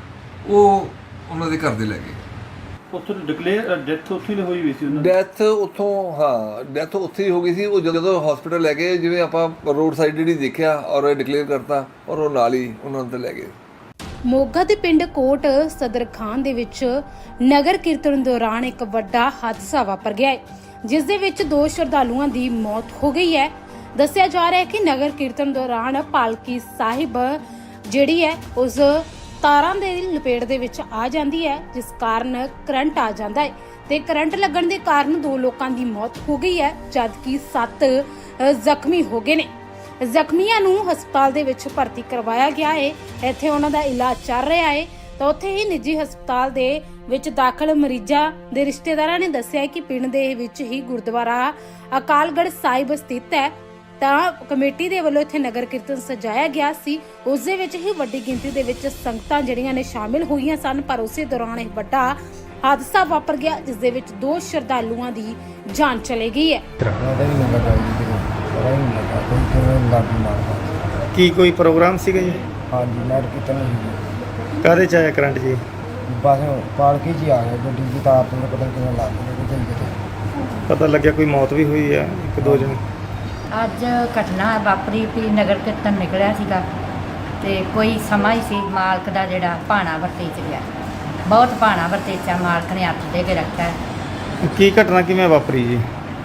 E: ਉਹ ਉਹਨਾਂ ਦੇ ਘਰ ਦੇ ਲੈ ਗਏ।
F: ਉੱਥੇ ਡਿਕਲੇਅਰ ਡੈਥ ਉੱਥੇ ਹੀ ਹੋਈ ਵੀ ਸੀ ਉਹਨਾਂ ਦੀ।
E: ਡੈਥ ਉੱਥੋਂ ਡੈਥ ਉੱਥੇ ਹੀ ਹੋ ਗਈ ਸੀ। ਉਹ ਜਦੋਂ ਹਸਪੀਟਲ ਲੈ ਗਏ, ਜਿਵੇਂ ਆਪਾਂ ਰੋਡ ਸਾਈਡ ਜਿਹੜੀ ਦੇਖਿਆ ਔਰ ਡਿਕਲੇਅਰ ਕਰਤਾ ਔਰ ਉਹ ਨਾਲ ਹੀ ਉਹਨਾਂ ਨੂੰ ਤੇ ਲੈ ਗਏ।
A: ਮੋਗਾ ਦੇ ਪਿੰਡ ਕੋਟ ਸਦਰ ਖਾਨ ਦੇ ਵਿੱਚ ਨਗਰ ਕੀਰਤਨ ਦੌਰਾਨ ਇੱਕ ਵੱਡਾ ਹਾਦਸਾ ਵਾਪਰ ਗਿਆ ਹੈ, ਜਿਸ ਦੇ ਵਿੱਚ 2 ਸ਼ਰਧਾਲੂਆਂ ਦੀ ਮੌਤ ਹੋ ਗਈ ਹੈ। ਦੱਸਿਆ ਜਾ ਰਿਹਾ ਹੈ ਕਿ ਨਗਰ ਕੀਰਤਨ ਦੌਰਾਨ ਪਾਲਕੀ ਸਾਹਿਬ ਜਿਹੜੀ ਹੈ ਉਸ ਤਾਰਾਂ ਦੇ ਲਪੇਟ ਦੇ ਵਿੱਚ ਆ ਜਾਂਦੀ ਹੈ, ਜਿਸ ਕਾਰਨ ਕਰੰਟ ਆ ਜਾਂਦਾ ਹੈ ਤੇ ਕਰੰਟ ਲੱਗਣ ਦੇ ਕਾਰਨ 2 ਲੋਕਾਂ ਦੀ ਮੌਤ ਹੋ ਗਈ ਹੈ, ਜਦਕਿ 7 ਜ਼ਖਮੀ ਹੋ ਗਏ ਨੇ। ਜ਼ਖਮੀਆਂ ਨੂੰ ਹਸਪਤਾਲ ਦੇ ਵਿੱਚ ਭਰਤੀ ਕਰਵਾਇਆ ਗਿਆ ਹੈ। ਇੱਥੇ ਉਹਨਾਂ ਦਾ ਇਲਾਜ ਚੱਲ ਰਿਹਾ ਹੈ। ਤਾਂ ਉੱਥੇ ਹੀ ਨਿੱਜੀ ਹਸਪਤਾਲ ਦੇ ਵਿੱਚ ਦਾਖਲ ਮਰੀਜ਼ਾਂ ਦੇ ਰਿਸ਼ਤੇਦਾਰਾਂ ਨੇ ਦੱਸਿਆ ਕਿ ਪਿੰਡ ਦੇ ਵਿੱਚ ਹੀ ਗੁਰਦੁਆਰਾ ਅਕਾਲਗੜ੍ਹ ਸਾਹਿਬ ਸਥਿਤ ਹੈ। ਤਾਂ ਕਮੇਟੀ ਦੇ ਵੱਲੋਂ ਇੱਥੇ ਨਗਰ ਕੀਰਤਨ ਸਜਾਇਆ ਗਿਆ ਸੀ। ਉਸ ਦੇ ਵਿੱਚ ਹੀ ਵੱਡੀ ਗਿਣਤੀ ਦੇ ਵਿੱਚ ਸੰਗਤਾਂ ਜਿਹੜੀਆਂ ਨੇ ਸ਼ਾਮਿਲ ਹੋਈਆਂ ਸਨ, ਪਰ ਉਸੇ ਦੌਰਾਨ ਇਹ ਵੱਡਾ ਹਾਦਸਾ ਵਾਪਰ ਗਿਆ, ਜਿਸ ਦੇ ਵਿੱਚ 2 ਸ਼ਰਧਾਲੂਆਂ ਦੀ ਜਾਨ ਚਲੀ ਗਈ ਹੈ।
C: ਉਹਦਾ ਵੀ ਨਹੀਂ ਲੱਗਾ ਜੀ ਕਿਤੇ, ਪਤਾ ਹੀ ਨਹੀਂ ਲੱਗਾ ਕੋਈ ਕਿਵੇਂ ਲਾਗੀ ਮਾਰਦਾ।
B: ਕੀ ਕੋਈ ਪ੍ਰੋਗਰਾਮ ਸੀਗਾ ਜੀ?
C: ਹਾਂਜੀ ਨਗਰ ਕੀਰਤਨ ਸੀ।
B: ਕਾਹਦੇ ਚ ਆਇਆ ਕਰੰਟ ਜੀ?
C: ਬਸ ਪਾਲਕੀ 'ਚ ਹੀ ਆ ਗਿਆ ਗੱਡੀ ਦੀ ਤਾਰ ਤੋਂ ਪਤਾ ਨਹੀਂ ਕਿਵੇਂ ਲੱਗ ਗਈ ਕਿਤੇ।
B: ਪਤਾ ਲੱਗਿਆ ਕੋਈ ਮੌਤ ਵੀ ਹੋਈ ਹੈ, 1-2 ਜਣੇ।
D: ਅੱਜ ਘਟਨਾ ਵਾਪਰੀ ਵੀ ਨਗਰ ਕੀਰਤਨ ਨਿਕਲਿਆ ਸੀਗਾ ਤੇ ਕੋਈ ਸਮਾਂ ਹੀ ਸੀ ਮਾਲਕ ਦਾ ਜਿਹੜਾ ਭਾਣਾ ਵਰਤੇ ਚ ਗਿਆ। ਬਹੁਤ ਭਾਣਾ ਵਰਤੇ ਚ ਮਾਲਕ ਨੇ ਹੱਥ ਦੇ ਕੇ ਰੱਖਿਆ।
B: ਕੀ ਘਟਨਾ ਕਿਵੇਂ ਵਾਪਰੀ ਜੀ?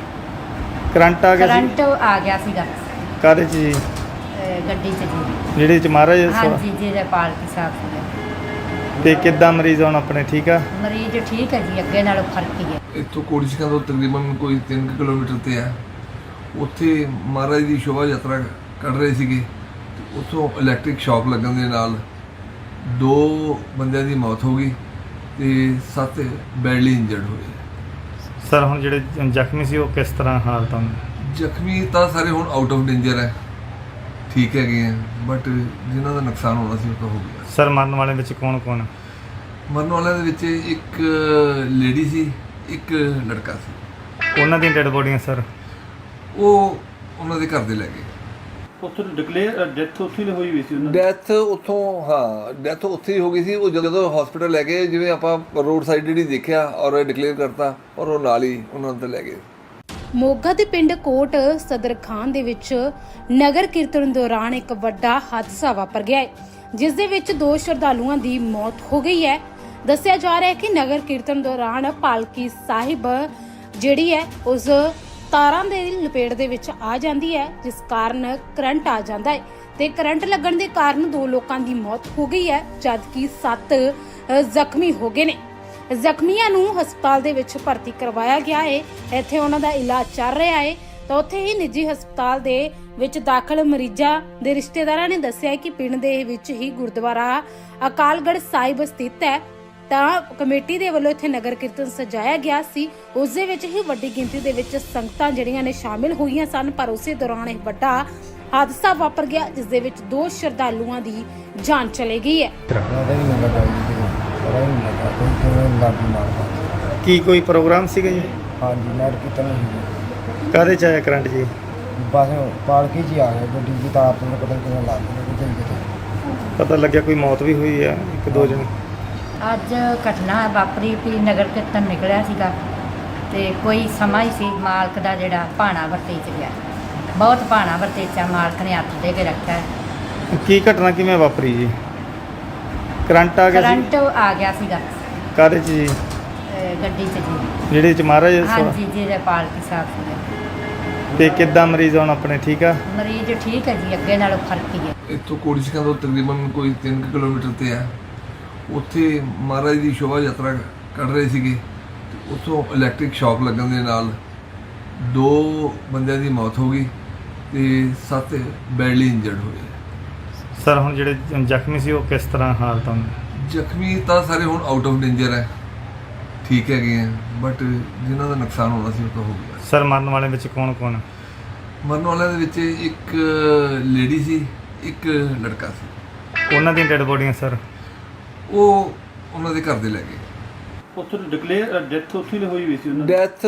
B: ਕਰੰਟ ਆ ਗਿਆ ਸੀ?
D: ਕਰੰਟ ਆ ਗਿਆ ਸੀਗਾ
B: ਕਾਹਦੇ ਚ ਜੀ?
D: ਗੱਡੀ ਚ ਜੀ।
B: ਜਿਹੜੇ ਚ ਮਹਾਰਾਜ
D: ਹਾਂਜੀ ਜਿਹਦੇ ਪਾਲਕੀ ਸਾਹਿਬ ਸੀਗੇ।
B: ਤੇ ਕਿੱਦਾਂ ਮਰੀਜ਼ ਹੁਣ ਆਪਣੇ ਠੀਕ ਆ?
D: ਮਰੀਜ਼ ਠੀਕ ਹੈ ਜੀ, ਅੱਗੇ ਨਾਲੋਂ ਫਰਕ ਹੀ ਹੈ।
E: ਇੱਥੋਂ ਕੋੜੀਸ਼ਕਾਂ ਤੋਂ ਤਕਰੀਬਨ ਕੋਈ 3 ਕਿਲੋਮੀਟਰ ਤੇ ਹੈ। ਉੱਥੇ ਮਹਾਰਾਜ ਦੀ ਸ਼ੋਭਾ ਯਾਤਰਾ ਕੱਢ ਰਹੇ ਸੀਗੇ ਤੇ ਉੱਥੋਂ ਇਲੈਕਟ੍ਰਿਕ ਸ਼ੌਕ ਲੱਗਣ ਦੇ ਨਾਲ 2 ਬੰਦਿਆਂ ਦੀ ਮੌਤ ਹੋ ਗਈ ਤੇ 7 ਬੈਡਲੀ ਇੰਜਰਡ ਹੋਏ।
B: ਸਰ ਹੁਣ ਜਿਹੜੇ ਜ਼ਖਮੀ ਸੀ ਉਹ ਕਿਸ ਤਰ੍ਹਾਂ ਹਾਲਤ ਹਨ?
E: ਜ਼ਖਮੀ ਤਾਂ ਸਾਰੇ ਹੁਣ ਆਊਟ ਆਫ ਡੇਂਜਰ ਹੈ, ਠੀਕ ਹੈਗੇ ਆ, ਬਟ ਜਿਨ੍ਹਾਂ ਦਾ ਨੁਕਸਾਨ ਹੋਣਾ ਸੀ ਉਹ ਤਾਂ ਹੋ ਗਿਆ।
B: ਸਰ ਮਰਨ ਵਾਲੇ ਵਿੱਚ ਕੌਣ?
E: ਮਰਨ ਵਾਲਿਆਂ ਦੇ ਵਿੱਚ ਇੱਕ ਲੇਡੀ ਸੀ, ਇੱਕ ਲੜਕਾ ਸੀ।
B: ਉਹਨਾਂ ਦੀਆਂ ਡੈਡ ਬੋਡੀਆਂ ਸਰ?
E: ਉਹ ਉਹਨਾਂ ਦੇ ਘਰ ਦੇ ਲੈ ਗਏ।
F: ਉੱਥੇ ਡਿਕਲੇਅਰ ਡੈਥ ਉੱਥੇ ਹੀ ਹੋਈ ਵੀ ਸੀ ਉਹਨਾਂ ਦੀ।
E: ਡੈਥ ਡੈਥ ਉੱਥੇ ਹੀ ਹੋ ਗਈ ਸੀ। ਉਹ ਜਦੋਂ ਹਸਪੀਟਲ ਲੈ ਗਏ, ਜਿਵੇਂ ਆਪਾਂ ਰੋਡ ਸਾਈਡ ਜਿਹੜੀ ਦੇਖਿਆ ਔਰ ਡਿਕਲੇਅਰ ਕਰਤਾ ਔਰ ਉਹ ਨਾਲ ਹੀ ਉਹਨਾਂ ਨੂੰ ਤੇ ਲੈ ਗਏ।
A: ਮੋਗਾ ਦੇ ਪਿੰਡ ਕੋਟ ਸਦਰ ਖਾਨ ਦੇ ਵਿੱਚ ਨਗਰ ਕੀਰਤਨ ਦੌਰਾਨ ਇੱਕ ਵੱਡਾ ਹਾਦਸਾ ਵਾਪਰ ਗਿਆ ਹੈ, ਜਿਸ ਦੇ ਵਿੱਚ 2 ਸ਼ਰਧਾਲੂਆਂ ਦੀ ਮੌਤ ਹੋ ਗਈ ਹੈ। ਦੱਸਿਆ ਜਾ ਰਿਹਾ ਹੈ ਕਿ ਨਗਰ ਕੀਰਤਨ ਦੌਰਾਨ ਪਾਲਕੀ ਸਾਹਿਬ ਜਿਹੜੀ ਹੈ ਉਸ ਤਾਰਾਂ ਦੇ ਲਪੇਟ ਦੇ ਵਿੱਚ ਆ ਜਾਂਦੀ ਹੈ, ਜਿਸ ਕਾਰਨ ਕਰੰਟ ਆ ਜਾਂਦਾ ਹੈ ਤੇ ਕਰੰਟ ਲੱਗਣ ਦੇ ਕਾਰਨ 2 ਲੋਕਾਂ ਦੀ ਮੌਤ ਹੋ ਗਈ ਹੈ, ਜਦਕਿ 7 ਜ਼ਖਮੀ ਹੋ ਗਏ ਨੇ। ਜ਼ਖਮੀਆਂ ਨੂੰ ਹਸਪਤਾਲ ਦੇ ਵਿੱਚ ਭਰਤੀ ਕਰਵਾਇਆ ਗਿਆ ਹੈ। ਇੱਥੇ ਉਹਨਾਂ ਦਾ ਇਲਾਜ ਚੱਲ ਰਿਹਾ ਹੈ ਤਾਂ ਉੱਥੇ ਹੀ ਨਿੱਜੀ ਹਸਪਤਾਲ ਦੇ ਵਿੱਚ ਦਾਖਲ ਮਰੀਜ਼ਾਂ ਦੇ ਰਿਸ਼ਤੇਦਾਰਾਂ ਨੇ ਦੱਸਿਆ ਕਿ ਪਿੰਡ ਦੇ ਵਿੱਚ ਹੀ ਗੁਰਦੁਆਰਾ ਅਕਾਲਗੜ੍ਹ ਸਾਹਿਬ ਸਥਿਤ ਹੈ ਤਾਂ ਕਮੇਟੀ ਦੇ ਵੱਲੋਂ ਇੱਥੇ ਨਗਰ ਕੀਰਤਨ ਸਜਾਇਆ ਗਿਆ ਸੀ। ਉਸ ਦੇ ਵਿੱਚ ਹੀ ਵੱਡੀ ਗਿਣਤੀ ਦੇ ਵਿੱਚ ਸੰਗਤਾਂ ਜਿਹੜੀਆਂ ਨੇ ਸ਼ਾਮਿਲ ਹੋਈਆਂ ਸਨ, ਪਰ ਉਸੇ ਦੌਰਾਨ ਇਹ ਵੱਡਾ ਹਾਦਸਾ ਵਾਪਰ ਗਿਆ, ਜਿਸ ਦੇ ਵਿੱਚ 2 ਸ਼ਰਧਾਲੂਆਂ ਦੀ ਜਾਨ ਚਲੀ ਗਈ ਹੈ।
C: ਉਹਦਾ ਹੀ ਨਹੀਂ ਲੱਗਾ ਜੀ ਪਤਾ ਹੀ ਨਹੀਂ ਲੱਗਾ ਕੋਈ ਕਿਵੇਂ ਲਾਗੀ ਮਾਰਦਾ।
B: ਕੀ ਕੋਈ ਪ੍ਰੋਗਰਾਮ ਸੀਗਾ ਜੀ?
C: ਹਾਂਜੀ ਨਗਰ ਕੀਰਤਨ ਸੀ
B: ਕਾਹਦੇ ਚ ਆਇਆ ਕਰੰਟ ਜੀ?
C: ਬਸ ਪਾਲਕੀ 'ਚ ਹੀ ਆ ਗਿਆ ਗੱਡੀ ਦੀ ਤਾਰ ਤੋਂ ਪਤਾ ਨਹੀਂ ਕਿਵੇਂ ਲੱਗ ਗਈ ਕਿਤੇ।
B: ਪਤਾ ਲੱਗਿਆ ਕੋਈ ਮੌਤ ਵੀ ਹੋਈ ਆ 1-2 ਜਣੇ?
D: ਅੱਜ ਘਟਨਾ ਵਾਪਰੀ ਵੀ ਨਗਰ ਕੀਰਤਨ ਨਿਕਲਿਆ ਸੀਗਾ ਤੇ ਕੋਈ ਸਮਾਂ ਹੀ ਸੀ ਮਾਲਕ ਦਾ ਜਿਹੜਾ ਭਾਣਾ ਵਰਤੇ ਚ ਗਿਆ। ਬਹੁਤ ਭਾਣਾ ਵਰਤੇ ਚ ਮਾਲਕ ਨੇ ਹੱਥ ਦੇ ਕੇ ਰੱਖਿਆ।
B: ਕੀ ਘਟਨਾ ਕਿਵੇਂ ਵਾਪਰੀ ਜੀ? ਕਰੰਟ ਆ ਗਿਆ ਸੀ?
D: ਕਰੰਟ ਆ ਗਿਆ ਸੀਗਾ
B: ਕਾਹਦੇ ਚ ਜੀ?
D: ਗੱਡੀ ਚ ਜੀ।
B: ਜਿਹੜੇ ਚ ਮਹਾਰਾਜ
D: ਹਾਂਜੀ ਜੀ ਦੇ ਪਾਲਕੀ ਸਾਹਿਬ ਸੀਗੇ।
B: ਤੇ ਕਿੱਦਾਂ ਮਰੀਜ਼ ਹੁਣ ਆਪਣੇ ਠੀਕ ਆ?
D: ਮਰੀਜ਼ ਠੀਕ ਹੈ ਜੀ, ਅੱਗੇ ਨਾਲੋਂ ਫਰਕ ਹੀ ਹੈ।
E: ਇੱਥੋਂ ਕੋੜੀਸ਼ਕਾਂ ਤੋਂ ਤਕਰੀਬਨ ਕੋਈ 3 ਕਿਲੋਮੀਟਰ ਤੇ ਆ। ਉੱਥੇ ਮਹਾਰਾਜ ਦੀ ਸ਼ੋਭਾ ਯਾਤਰਾ ਕੱਢ ਰਹੇ ਸੀਗੇ ਤੇ ਉੱਥੋਂ ਇਲੈਕਟ੍ਰਿਕ ਸ਼ੌਕ ਲੱਗਣ ਦੇ ਨਾਲ 2 ਬੰਦਿਆਂ ਦੀ ਮੌਤ ਹੋ ਗਈ ਤੇ 7 ਬੈਡਲੀ ਇੰਜਰਡ ਹੋਏ।
B: ਸਰ ਹੁਣ ਜਿਹੜੇ ਜ਼ਖਮੀ ਸੀ ਉਹ ਕਿਸ ਤਰ੍ਹਾਂ ਹਾਲਤ ਹਨ?
E: ਜ਼ਖਮੀ ਤਾਂ ਸਾਰੇ ਹੁਣ ਆਊਟ ਆਫ ਡੇਂਜਰ ਹੈ, ਠੀਕ ਹੈਗੇ ਆ, ਬਟ ਜਿਨ੍ਹਾਂ ਦਾ ਨੁਕਸਾਨ ਹੋਣਾ ਸੀ ਉਹ ਤਾਂ ਹੋ ਗਿਆ।
B: ਸਰ ਮਰਨ ਵਾਲਿਆਂ ਵਿੱਚ ਕੌਣ?
E: ਮਰਨ ਵਾਲਿਆਂ ਦੇ ਵਿੱਚ ਇੱਕ ਲੇਡੀ ਸੀ, ਇੱਕ ਲੜਕਾ ਸੀ।
B: ਉਹਨਾਂ ਦੀਆਂ ਡੈਡ ਬੋਡੀਆਂ ਸਰ?
E: ਉਹ ਉਹਨਾਂ ਦੇ ਘਰ ਦੇ ਲੈ ਗਏ।
F: ਉੱਥੇ ਡਿਕਲੇਅਰ ਡੈਥ ਉੱਥੇ ਹੀ ਹੋਈ ਵੀ ਸੀ ਉਹਨਾਂ ਦੀ।
E: ਡੈਥ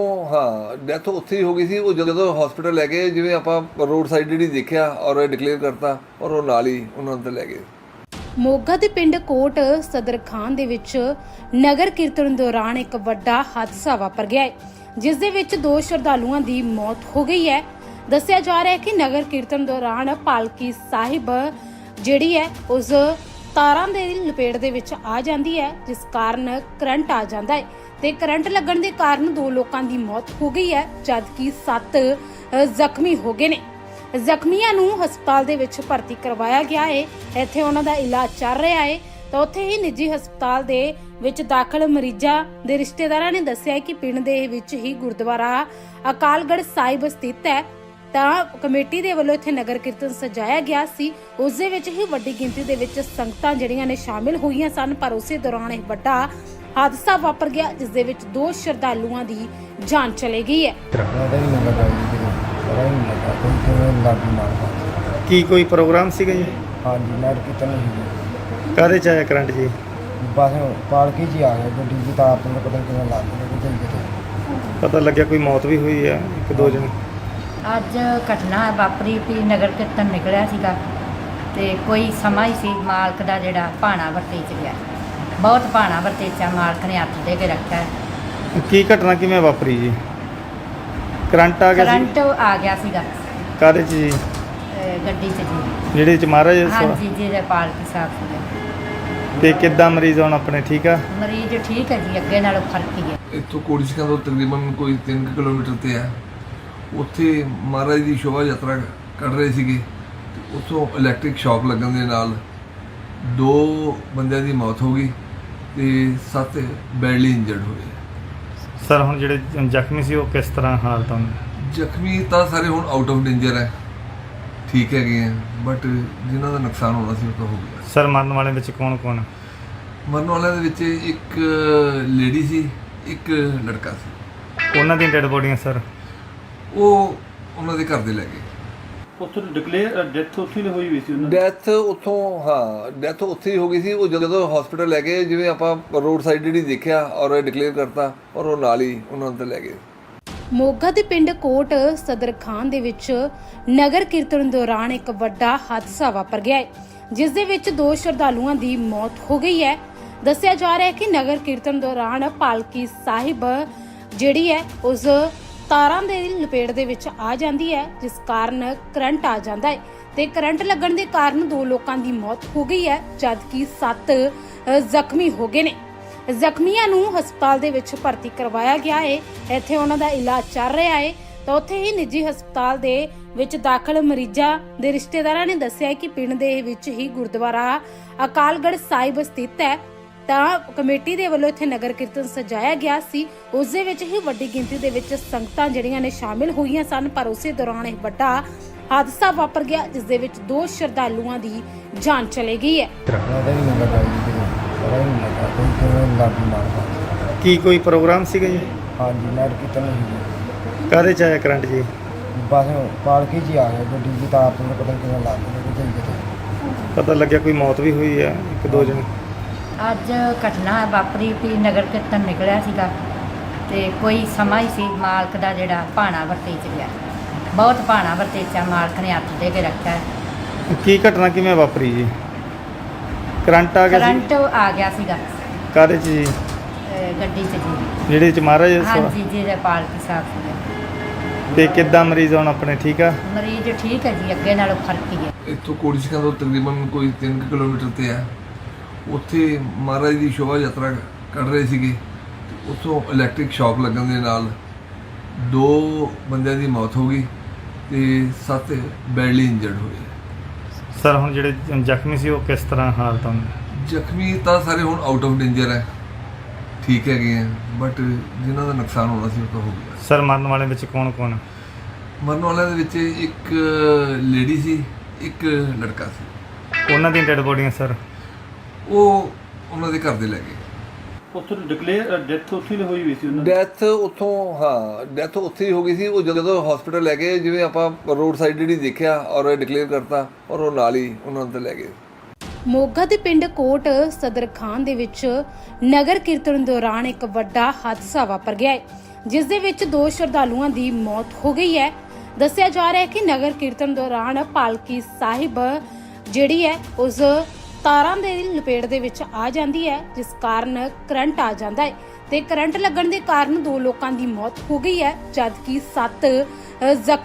E: ਉੱਥੇ ਹੀ ਹੋ ਗਈ ਸੀ। ਉਹ ਜਦੋਂ ਹਸਪੀਟਲ ਲੈ ਗਏ, ਜਿਵੇਂ ਆਪਾਂ ਰੋਡ ਸਾਈਡ ਜਿਹੜੀ ਦੇਖਿਆ ਔਰ ਡਿਕਲੇਅਰ ਕਰਤਾ ਔਰ ਉਹ ਨਾਲ ਹੀ ਉਹਨਾਂ ਨੂੰ ਲੈ ਗਏ।
A: ਮੋਗਾ ਦੇ ਪਿੰਡ ਕੋਟ ਸਦਰ ਖਾਨ ਦੇ ਵਿੱਚ ਨਗਰ ਕੀਰਤਨ ਦੌਰਾਨ ਇੱਕ ਵੱਡਾ ਹਾਦਸਾ ਵਾਪਰ ਗਿਆ ਹੈ, ਜਿਸ ਦੇ ਵਿੱਚ 2 ਸ਼ਰਧਾਲੂਆਂ ਦੀ ਮੌਤ ਹੋ ਗਈ ਹੈ। ਦੱਸਿਆ ਜਾ ਰਿਹਾ ਹੈ ਕਿ ਨਗਰ ਕੀਰਤਨ ਦੌਰਾਨ ਪਾਲਕੀ ਸਾਹਿਬ ਜਿਹੜੀ ਹੈ ਉਸ ਤਾਰਾਂ ਦੇ ਲਪੇਟ ਦੇ ਵਿੱਚ ਆ ਜਾਂਦੀ ਹੈ, ਜਿਸ ਕਾਰਨ ਕਰੰਟ ਆ ਜਾਂਦਾ ਹੈ ਤੇ ਕਰੰਟ ਲੱਗਣ ਦੇ ਕਾਰਨ 2 ਲੋਕਾਂ ਦੀ ਮੌਤ ਹੋ ਗਈ ਹੈ, ਜਦਕਿ 7 ਜ਼ਖਮੀ ਹੋ ਗਏ ਨੇ। ਜ਼ਖਮੀਆਂ ਨੂੰ ਹਸਪਤਾਲ ਦੇ ਵਿੱਚ ਭਰਤੀ ਕਰਵਾਇਆ ਗਿਆ ਹੈ। ਇੱਥੇ ਉਹਨਾਂ ਦਾ ਇਲਾਜ ਚੱਲ ਰਿਹਾ ਹੈ ਤਾਂ ਉੱਥੇ ਹੀ ਨਿੱਜੀ ਹਸਪਤਾਲ ਦੇ ਵਿੱਚ ਦਾਖਲ ਮਰੀਜ਼ਾਂ ਦੇ ਰਿਸ਼ਤੇਦਾਰਾਂ ਨੇ ਦੱਸਿਆ ਕਿ ਪਿੰਡ ਦੇ ਵਿੱਚ ਹੀ ਗੁਰਦੁਆਰਾ ਅਕਾਲਗੜ੍ਹ ਸਾਹਿਬ ਸਥਿਤ ਹੈ ਤਾਂ ਕਮੇਟੀ ਦੇ ਵੱਲੋਂ ਇੱਥੇ ਨਗਰ ਕੀਰਤਨ ਸਜਾਇਆ ਗਿਆ ਸੀ। ਉਸ ਦੇ ਵਿੱਚ ਹੀ ਵੱਡੀ ਗਿਣਤੀ ਦੇ ਵਿੱਚ ਸੰਗਤਾਂ ਜਿਹੜੀਆਂ ਨੇ ਸ਼ਾਮਿਲ ਹੋਈਆਂ ਸਨ, ਪਰ ਉਸੇ ਦੌਰਾਨ ਇਹ ਵੱਡਾ ਹਾਦਸਾ ਵਾਪਰ ਗਿਆ, ਜਿਸ ਦੇ ਵਿੱਚ 2 ਸ਼ਰਧਾਲੂਆਂ ਦੀ ਜਾਨ ਚਲੀ ਗਈ ਹੈ।
C: ਉਹਦਾ ਹੀ ਨਹੀਂ ਲੱਗਾ ਜੀ ਪਤਾ ਹੀ ਨਹੀਂ ਲੱਗਾ ਕੋਈ ਕਿਵੇਂ ਲਾਗੀ ਮਾਰਦਾ।
B: ਕੀ ਕੋਈ ਪ੍ਰੋਗਰਾਮ ਸੀਗਾ ਜੀ?
C: ਹਾਂਜੀ ਨਗਰ ਕੀਰਤਨ ਸੀ
B: ਕਾਹਦੇ ਚ ਆਇਆ ਕਰੰਟ ਜੀ?
C: ਬਸ ਪਾਲਕੀ 'ਚ ਹੀ ਆ ਗਿਆ ਗੱਡੀ ਦੀ ਤਾਰ ਤੋਂ ਪਤਾ ਨਹੀਂ ਕਿਵੇਂ ਲੱਗ ਗਈ ਕਿਤੇ।
B: ਪਤਾ ਲੱਗਿਆ ਕੋਈ ਮੌਤ ਵੀ ਹੋਈ ਆ 1-2 ਜਣੇ?
D: ਅੱਜ ਘਟਨਾ ਵਾਪਰੀ ਵੀ ਨਗਰ ਕੀਰਤਨ ਨਿਕਲਿਆ ਸੀਗਾ ਤੇ ਕੋਈ ਸਮਾਂ ਹੀ ਸੀ ਮਾਲਕ ਦਾ ਜਿਹੜਾ ਭਾਣਾ ਵਰਤੇ ਚ ਗਿਆ। ਬਹੁਤ ਭਾਣਾ ਵਰਤੇ ਚ ਮਾਲਕ ਨੇ ਹੱਥ ਦੇ ਕੇ ਰੱਖਿਆ।
B: ਕੀ ਘਟਨਾ ਕਿਵੇਂ ਵਾਪਰੀ ਜੀ? ਕਰੰਟ ਆ ਗਿਆ ਸੀ?
D: ਕਰੰਟ ਆ ਗਿਆ ਸੀਗਾ
B: ਕਾਹਦੇ ਚ ਜੀ?
D: ਗੱਡੀ ਚ ਜੀ।
B: ਜਿਹੜੇ ਚ ਮਹਾਰਾਜ
D: ਹਾਂਜੀ ਜੀ ਦੇ ਪਾਲਕੀ ਸਾਹਿਬ ਸੀਗੇ।
B: ਤੇ ਕਿੱਦਾਂ ਮਰੀਜ਼ ਹੁਣ ਆਪਣੇ ਠੀਕ ਆ?
D: ਮਰੀਜ਼ ਠੀਕ ਹੈ ਜੀ, ਅੱਗੇ ਨਾਲੋਂ ਫਰਕ ਹੀ ਹੈ।
E: ਇੱਥੋਂ ਕੋੜੀਸ਼ਕਾਂ ਤੋਂ ਤਕਰੀਬਨ ਕੋਈ 3 ਕਿਲੋਮੀਟਰ ਤੇ ਆ। ਉੱਥੇ ਮਹਾਰਾਜ ਦੀ ਸ਼ੋਭਾ ਯਾਤਰਾ ਕੱਢ ਰਹੇ ਸੀਗੇ ਤੇ ਉੱਥੋਂ ਇਲੈਕਟ੍ਰਿਕ ਸ਼ੌਕ ਲੱਗਣ ਦੇ ਨਾਲ 2 ਬੰਦਿਆਂ ਦੀ ਮੌਤ ਹੋ ਗਈ ਤੇ 7 ਬੈਡਲੀ ਇੰਜਰਡ ਹੋਏ।
B: ਸਰ ਹੁਣ ਜਿਹੜੇ ਜ਼ਖਮੀ ਸੀ ਉਹ ਕਿਸ ਤਰ੍ਹਾਂ ਹਾਲਤ ਹਨ?
E: ਜ਼ਖਮੀ ਤਾਂ ਸਾਰੇ ਹੁਣ ਆਊਟ ਆਫ ਡੇਂਜਰ ਹੈ, ਠੀਕ ਹੈਗੇ ਆ, ਬਟ ਜਿਨ੍ਹਾਂ ਦਾ ਨੁਕਸਾਨ ਹੋਣਾ ਸੀ ਉਹ ਤਾਂ ਹੋ ਗਿਆ।
B: ਸਰ ਮਰਨ ਵਾਲਿਆਂ ਵਿੱਚ ਕੌਣ?
E: ਮਰਨ ਵਾਲਿਆਂ ਦੇ ਵਿੱਚ ਇੱਕ ਲੇਡੀ ਸੀ, ਇੱਕ ਲੜਕਾ ਸੀ।
B: ਉਹਨਾਂ ਦੀਆਂ ਡੈਡ ਬੋਡੀਆਂ ਸਰ?
E: ਉਹ ਉਹਨਾਂ ਦੇ ਘਰ ਦੇ ਲੈ ਗਏ।
F: ਉੱਥੇ ਡਿਕਲੇਅਰ ਡੈਥ ਉੱਥੇ ਹੀ ਹੋਈ ਵੀ ਸੀ ਉਹਨਾਂ ਦੀ।
E: ਡੈਥ ਉੱਥੇ ਹੀ ਹੋ ਗਈ ਸੀ। ਉਹ ਜਦੋਂ ਹਸਪੀਟਲ ਲੈ ਗਏ, ਜਿਵੇਂ ਆਪਾਂ ਰੋਡ ਸਾਈਡ ਜਿਹੜੀ ਦੇਖਿਆ ਔਰ ਡਿਕਲੇਅਰ ਕਰਤਾ ਔਰ ਉਹ ਨਾਲ ਹੀ ਉਹਨਾਂ ਨੂੰ ਲੈ ਗਏ।
A: ਮੋਗਾ ਦੇ ਪਿੰਡ ਕੋਟ ਸਦਰ ਖਾਨ ਦੇ ਵਿੱਚ ਨਗਰ ਕੀਰਤਨ ਦੌਰਾਨ ਇੱਕ ਵੱਡਾ ਹਾਦਸਾ ਵਾਪਰ ਗਿਆ ਹੈ, ਜਿਸ ਦੇ ਵਿੱਚ 2 ਸ਼ਰਧਾਲੂਆਂ ਦੀ ਮੌਤ ਹੋ ਗਈ ਹੈ। ਦੱਸਿਆ ਜਾ ਰਿਹਾ ਹੈ ਕਿ ਨਗਰ ਕੀਰਤਨ ਦੌਰਾਨ ਪਾਲਕੀ ਸਾਹਿਬ ਜਿਹੜੀ ਹੈ ਉਸ ਤਾਰਾਂ ਦੇ ਲਪੇਟ ਦੇ ਵਿੱਚ ਆ ਜਾਂਦੀ ਹੈ, ਜਿਸ ਕਾਰਨ ਕਰੰਟ ਆ ਜਾਂਦਾ ਹੈ ਤੇ ਕਰੰਟ ਲੱਗਣ ਦੇ ਕਾਰਨ 2 ਲੋਕਾਂ ਦੀ ਮੌਤ ਹੋ ਗਈ ਹੈ, ਜਦਕਿ 7 ਜ਼ਖਮੀ ਹੋ ਗਏ ਨੇ। ਜ਼ਖਮੀਆਂ ਨੂੰ ਹਸਪਤਾਲ ਦੇ ਵਿੱਚ ਭਰਤੀ ਕਰਵਾਇਆ ਗਿਆ ਹੈ। ਇੱਥੇ ਉਹਨਾਂ ਦਾ ਇਲਾਜ ਚੱਲ ਰਿਹਾ ਹੈ। ਤਾਂ ਉੱਥੇ ਹੀ ਨਿੱਜੀ ਹਸਪਤਾਲ ਦੇ ਵਿੱਚ ਦਾਖਲ ਮਰੀਜ਼ਾਂ ਦੇ ਰਿਸ਼ਤੇਦਾਰਾਂ ਨੇ ਦੱਸਿਆ ਕਿ ਪਿੰਡ ਦੇ ਵਿੱਚ ਹੀ ਗੁਰਦੁਆਰਾ ਅਕਾਲਗੜ੍ਹ ਸਾਹਿਬ ਸਥਿਤ ਹੈ। ਤਾਂ ਕਮੇਟੀ ਦੇ ਵੱਲੋਂ ਇੱਥੇ ਨਗਰ ਕੀਰਤਨ ਸਜਾਇਆ ਗਿਆ ਸੀ। ਉਸ ਦੇ ਵਿੱਚ ਹੀ ਵੱਡੀ ਗਿਣਤੀ ਦੇ ਵਿੱਚ ਸੰਗਤਾਂ ਜਿਹੜੀਆਂ ਨੇ ਸ਼ਾਮਿਲ ਹੋਈਆਂ ਸਨ, ਪਰ ਉਸੇ ਦੌਰਾਨ ਇਹ ਵੱਡਾ ਹਾਦਸਾ ਵਾਪਰ ਗਿਆ, ਜਿਸ ਦੇ ਵਿੱਚ 2 ਸ਼ਰਧਾਲੂਆਂ ਦੀ ਜਾਨ ਚਲੀ ਗਈ ਹੈ।
C: ਉਹਦੇ ਵੀ ਨਹੀਂ ਲੱਗਾ ਜੀ ਕਿਤੇ ਪਤਾ ਹੀ ਨਹੀਂ ਲੱਗਾ ਕੋਈ ਕਿਵੇਂ ਲਾਗੀ ਮਾਰਦਾ।
B: ਕੀ ਕੋਈ ਪ੍ਰੋਗਰਾਮ ਸੀਗਾ ਜੀ?
C: ਹਾਂਜੀ ਨਗਰ ਕੀਰਤਨ ਨਹੀਂ
B: ਕਾਹਦੇ ਚ ਆਇਆ ਕਰੰਟ ਜੀ?
C: ਬਸ ਪਾਲਕੀ 'ਚ ਹੀ ਆ ਗਿਆ ਗੱਡੀ ਦੀ ਤਾਰ ਤੋਂ ਪਤਾ ਨਹੀਂ ਕਿਵੇਂ ਲੱਗ ਗਈ ਕਿਤੇ।
B: ਪਤਾ ਲੱਗਿਆ ਕੋਈ ਮੌਤ ਵੀ ਹੋਈ ਹੈ, 1-2 ਜਣੇ।
D: ਅੱਜ ਘਟਨਾ ਵਾਪਰੀ ਵੀ ਨਗਰ ਕੀਰਤਨ ਨਿਕਲਿਆ ਸੀਗਾ ਤੇ ਕੋਈ ਸਮਾਂ ਹੀ ਸੀ ਮਾਲਕ ਦਾ ਜਿਹੜਾ ਭਾਣਾ ਵਰਤੇ ਚ ਗਿਆ। ਬਹੁਤ ਭਾਣਾ ਵਰਤੇ ਚ ਮਾਲਕ ਨੇ ਹੱਥ ਦੇ ਕੇ ਰੱਖਿਆ।
B: ਕੀ ਘਟਨਾ ਕਿਵੇਂ ਵਾਪਰੀ ਜੀ? ਕਰੰਟ ਆ ਗਿਆ ਸੀ?
D: ਕਰੰਟ ਆ ਗਿਆ ਸੀਗਾ
B: ਕਾਹਦੇ ਚ ਜੀ?
D: ਗੱਡੀ ਚ ਜੀ।
B: ਜਿਹੜੇ ਚ ਮਹਾਰਾਜ
D: ਹਾਂਜੀ ਜਿਹਦੇ ਪਾਲਕੀ ਸਾਹਿਬ ਸੀਗੇ।
B: ਤੇ ਕਿੱਦਾਂ ਮਰੀਜ਼ ਹੁਣ ਆਪਣੇ ਠੀਕ ਆ?
D: ਮਰੀਜ਼ ਠੀਕ ਹੈ ਜੀ, ਅੱਗੇ ਨਾਲੋਂ ਫਰਕ ਹੀ ਹੈ।
E: ਇੱਥੋਂ ਕੋੜੀਸ਼ਕਾਂ ਤੋਂ ਤਕਰੀਬਨ ਕੋਈ 3 ਕਿਲੋਮੀਟਰ ਤੇ ਆ। ਉੱਥੇ ਮਹਾਰਾਜ ਦੀ ਸ਼ੋਭਾ ਯਾਤਰਾ ਕੱਢ ਰਹੇ ਸੀਗੇ। ਉੱਥੋਂ ਇਲੈਕਟ੍ਰਿਕ ਸ਼ੌਕ ਲੱਗਣ ਦੇ ਨਾਲ 2 ਬੰਦਿਆਂ ਦੀ ਮੌਤ ਹੋ ਗਈ ਤੇ 7 ਬੈਡਲੀ ਇੰਜਰਡ ਹੋਏ।
B: ਸਰ ਹੁਣ ਜਿਹੜੇ ਜ਼ਖਮੀ ਸੀ ਉਹ ਕਿਸ ਤਰ੍ਹਾਂ ਹਾਲਤ ਹਨ?
E: ਜ਼ਖਮੀ ਤਾਂ ਸਾਰੇ ਹੁਣ ਆਊਟ ਆਫ ਡੇਂਜਰ ਹੈ, ਠੀਕ ਹੈਗੇ ਆ, ਬਟ ਜਿਨ੍ਹਾਂ ਦਾ ਨੁਕਸਾਨ ਹੋਣਾ ਸੀ ਉਹ ਤਾਂ ਹੋ ਗਿਆ।
B: ਸਰ ਮਰਨ ਵਾਲਿਆਂ ਵਿੱਚ ਕੌਣ?
E: ਮਰਨ ਵਾਲਿਆਂ ਦੇ ਵਿੱਚ ਇੱਕ ਲੇਡੀ ਸੀ, ਇੱਕ ਲੜਕਾ ਸੀ।
B: ਉਹਨਾਂ ਦੀਆਂ ਡੈਡ ਬੋਡੀਆਂ ਸਰ?
E: ਉਹ ਉਹਨਾਂ ਦੇ ਘਰ ਦੇ ਲੈ ਗਏ।
F: ਉੱਥੋਂ ਡਿਕਲੇਅਰ ਡੈਥ ਉੱਥੇ ਹੀ ਹੋਈ ਵੀ ਸੀ ਉਹਨਾਂ ਦੀ।
E: ਡੈਥ ਉੱਥੇ ਹੀ ਹੋ ਗਈ ਸੀ। ਉਹ ਜਦੋਂ ਹਸਪੀਟਲ ਲੈ ਗਏ, ਜਿਵੇਂ ਆਪਾਂ ਰੋਡ ਸਾਈਡ ਜਿਹੜੀ ਦੇਖਿਆ ਔਰ ਡਿਕਲੇਅਰ ਕਰਤਾ ਔਰ ਉਹ ਨਾਲ ਹੀ ਉਹਨਾਂ ਨੂੰ ਲੈ ਗਏ।
A: ਮੋਗਾ ਦੇ ਪਿੰਡ ਕੋਟ ਸਦਰ ਖਾਨ ਦੇ ਵਿੱਚ ਨਗਰ ਕੀਰਤਨ ਦੌਰਾਨ ਇੱਕ ਵੱਡਾ ਹਾਦਸਾ ਵਾਪਰ ਗਿਆ ਹੈ, ਜਿਸ ਦੇ ਵਿੱਚ 2 ਸ਼ਰਧਾਲੂਆਂ ਦੀ ਮੌਤ ਹੋ ਗਈ ਹੈ। ਦੱਸਿਆ ਜਾ ਰਿਹਾ ਹੈ ਕਿ ਨਗਰ ਕੀਰਤਨ ਦੌਰਾਨ ਪਾਲਕੀ ਸਾਹਿਬ ਜਿਹੜੀ ਹੈ ਉਸ ਤਾਰਾਂ ਦੇ ਲਪੇਟ ਦੇ ਵਿੱਚ ਆ ਜਾਂਦੀ ਹੈ, ਜਿਸ ਕਾਰਨ ਕਰੰਟ ਆ ਜਾਂਦਾ ਹੈ ਤੇ ਕਰੰਟ ਲੱਗਣ ਦੇ ਕਾਰਨ 2 ਲੋਕਾਂ ਦੀ ਮੌਤ ਹੋ ਗਈ ਹੈ, ਜਦਕਿ 7 ਜ਼ਖਮੀ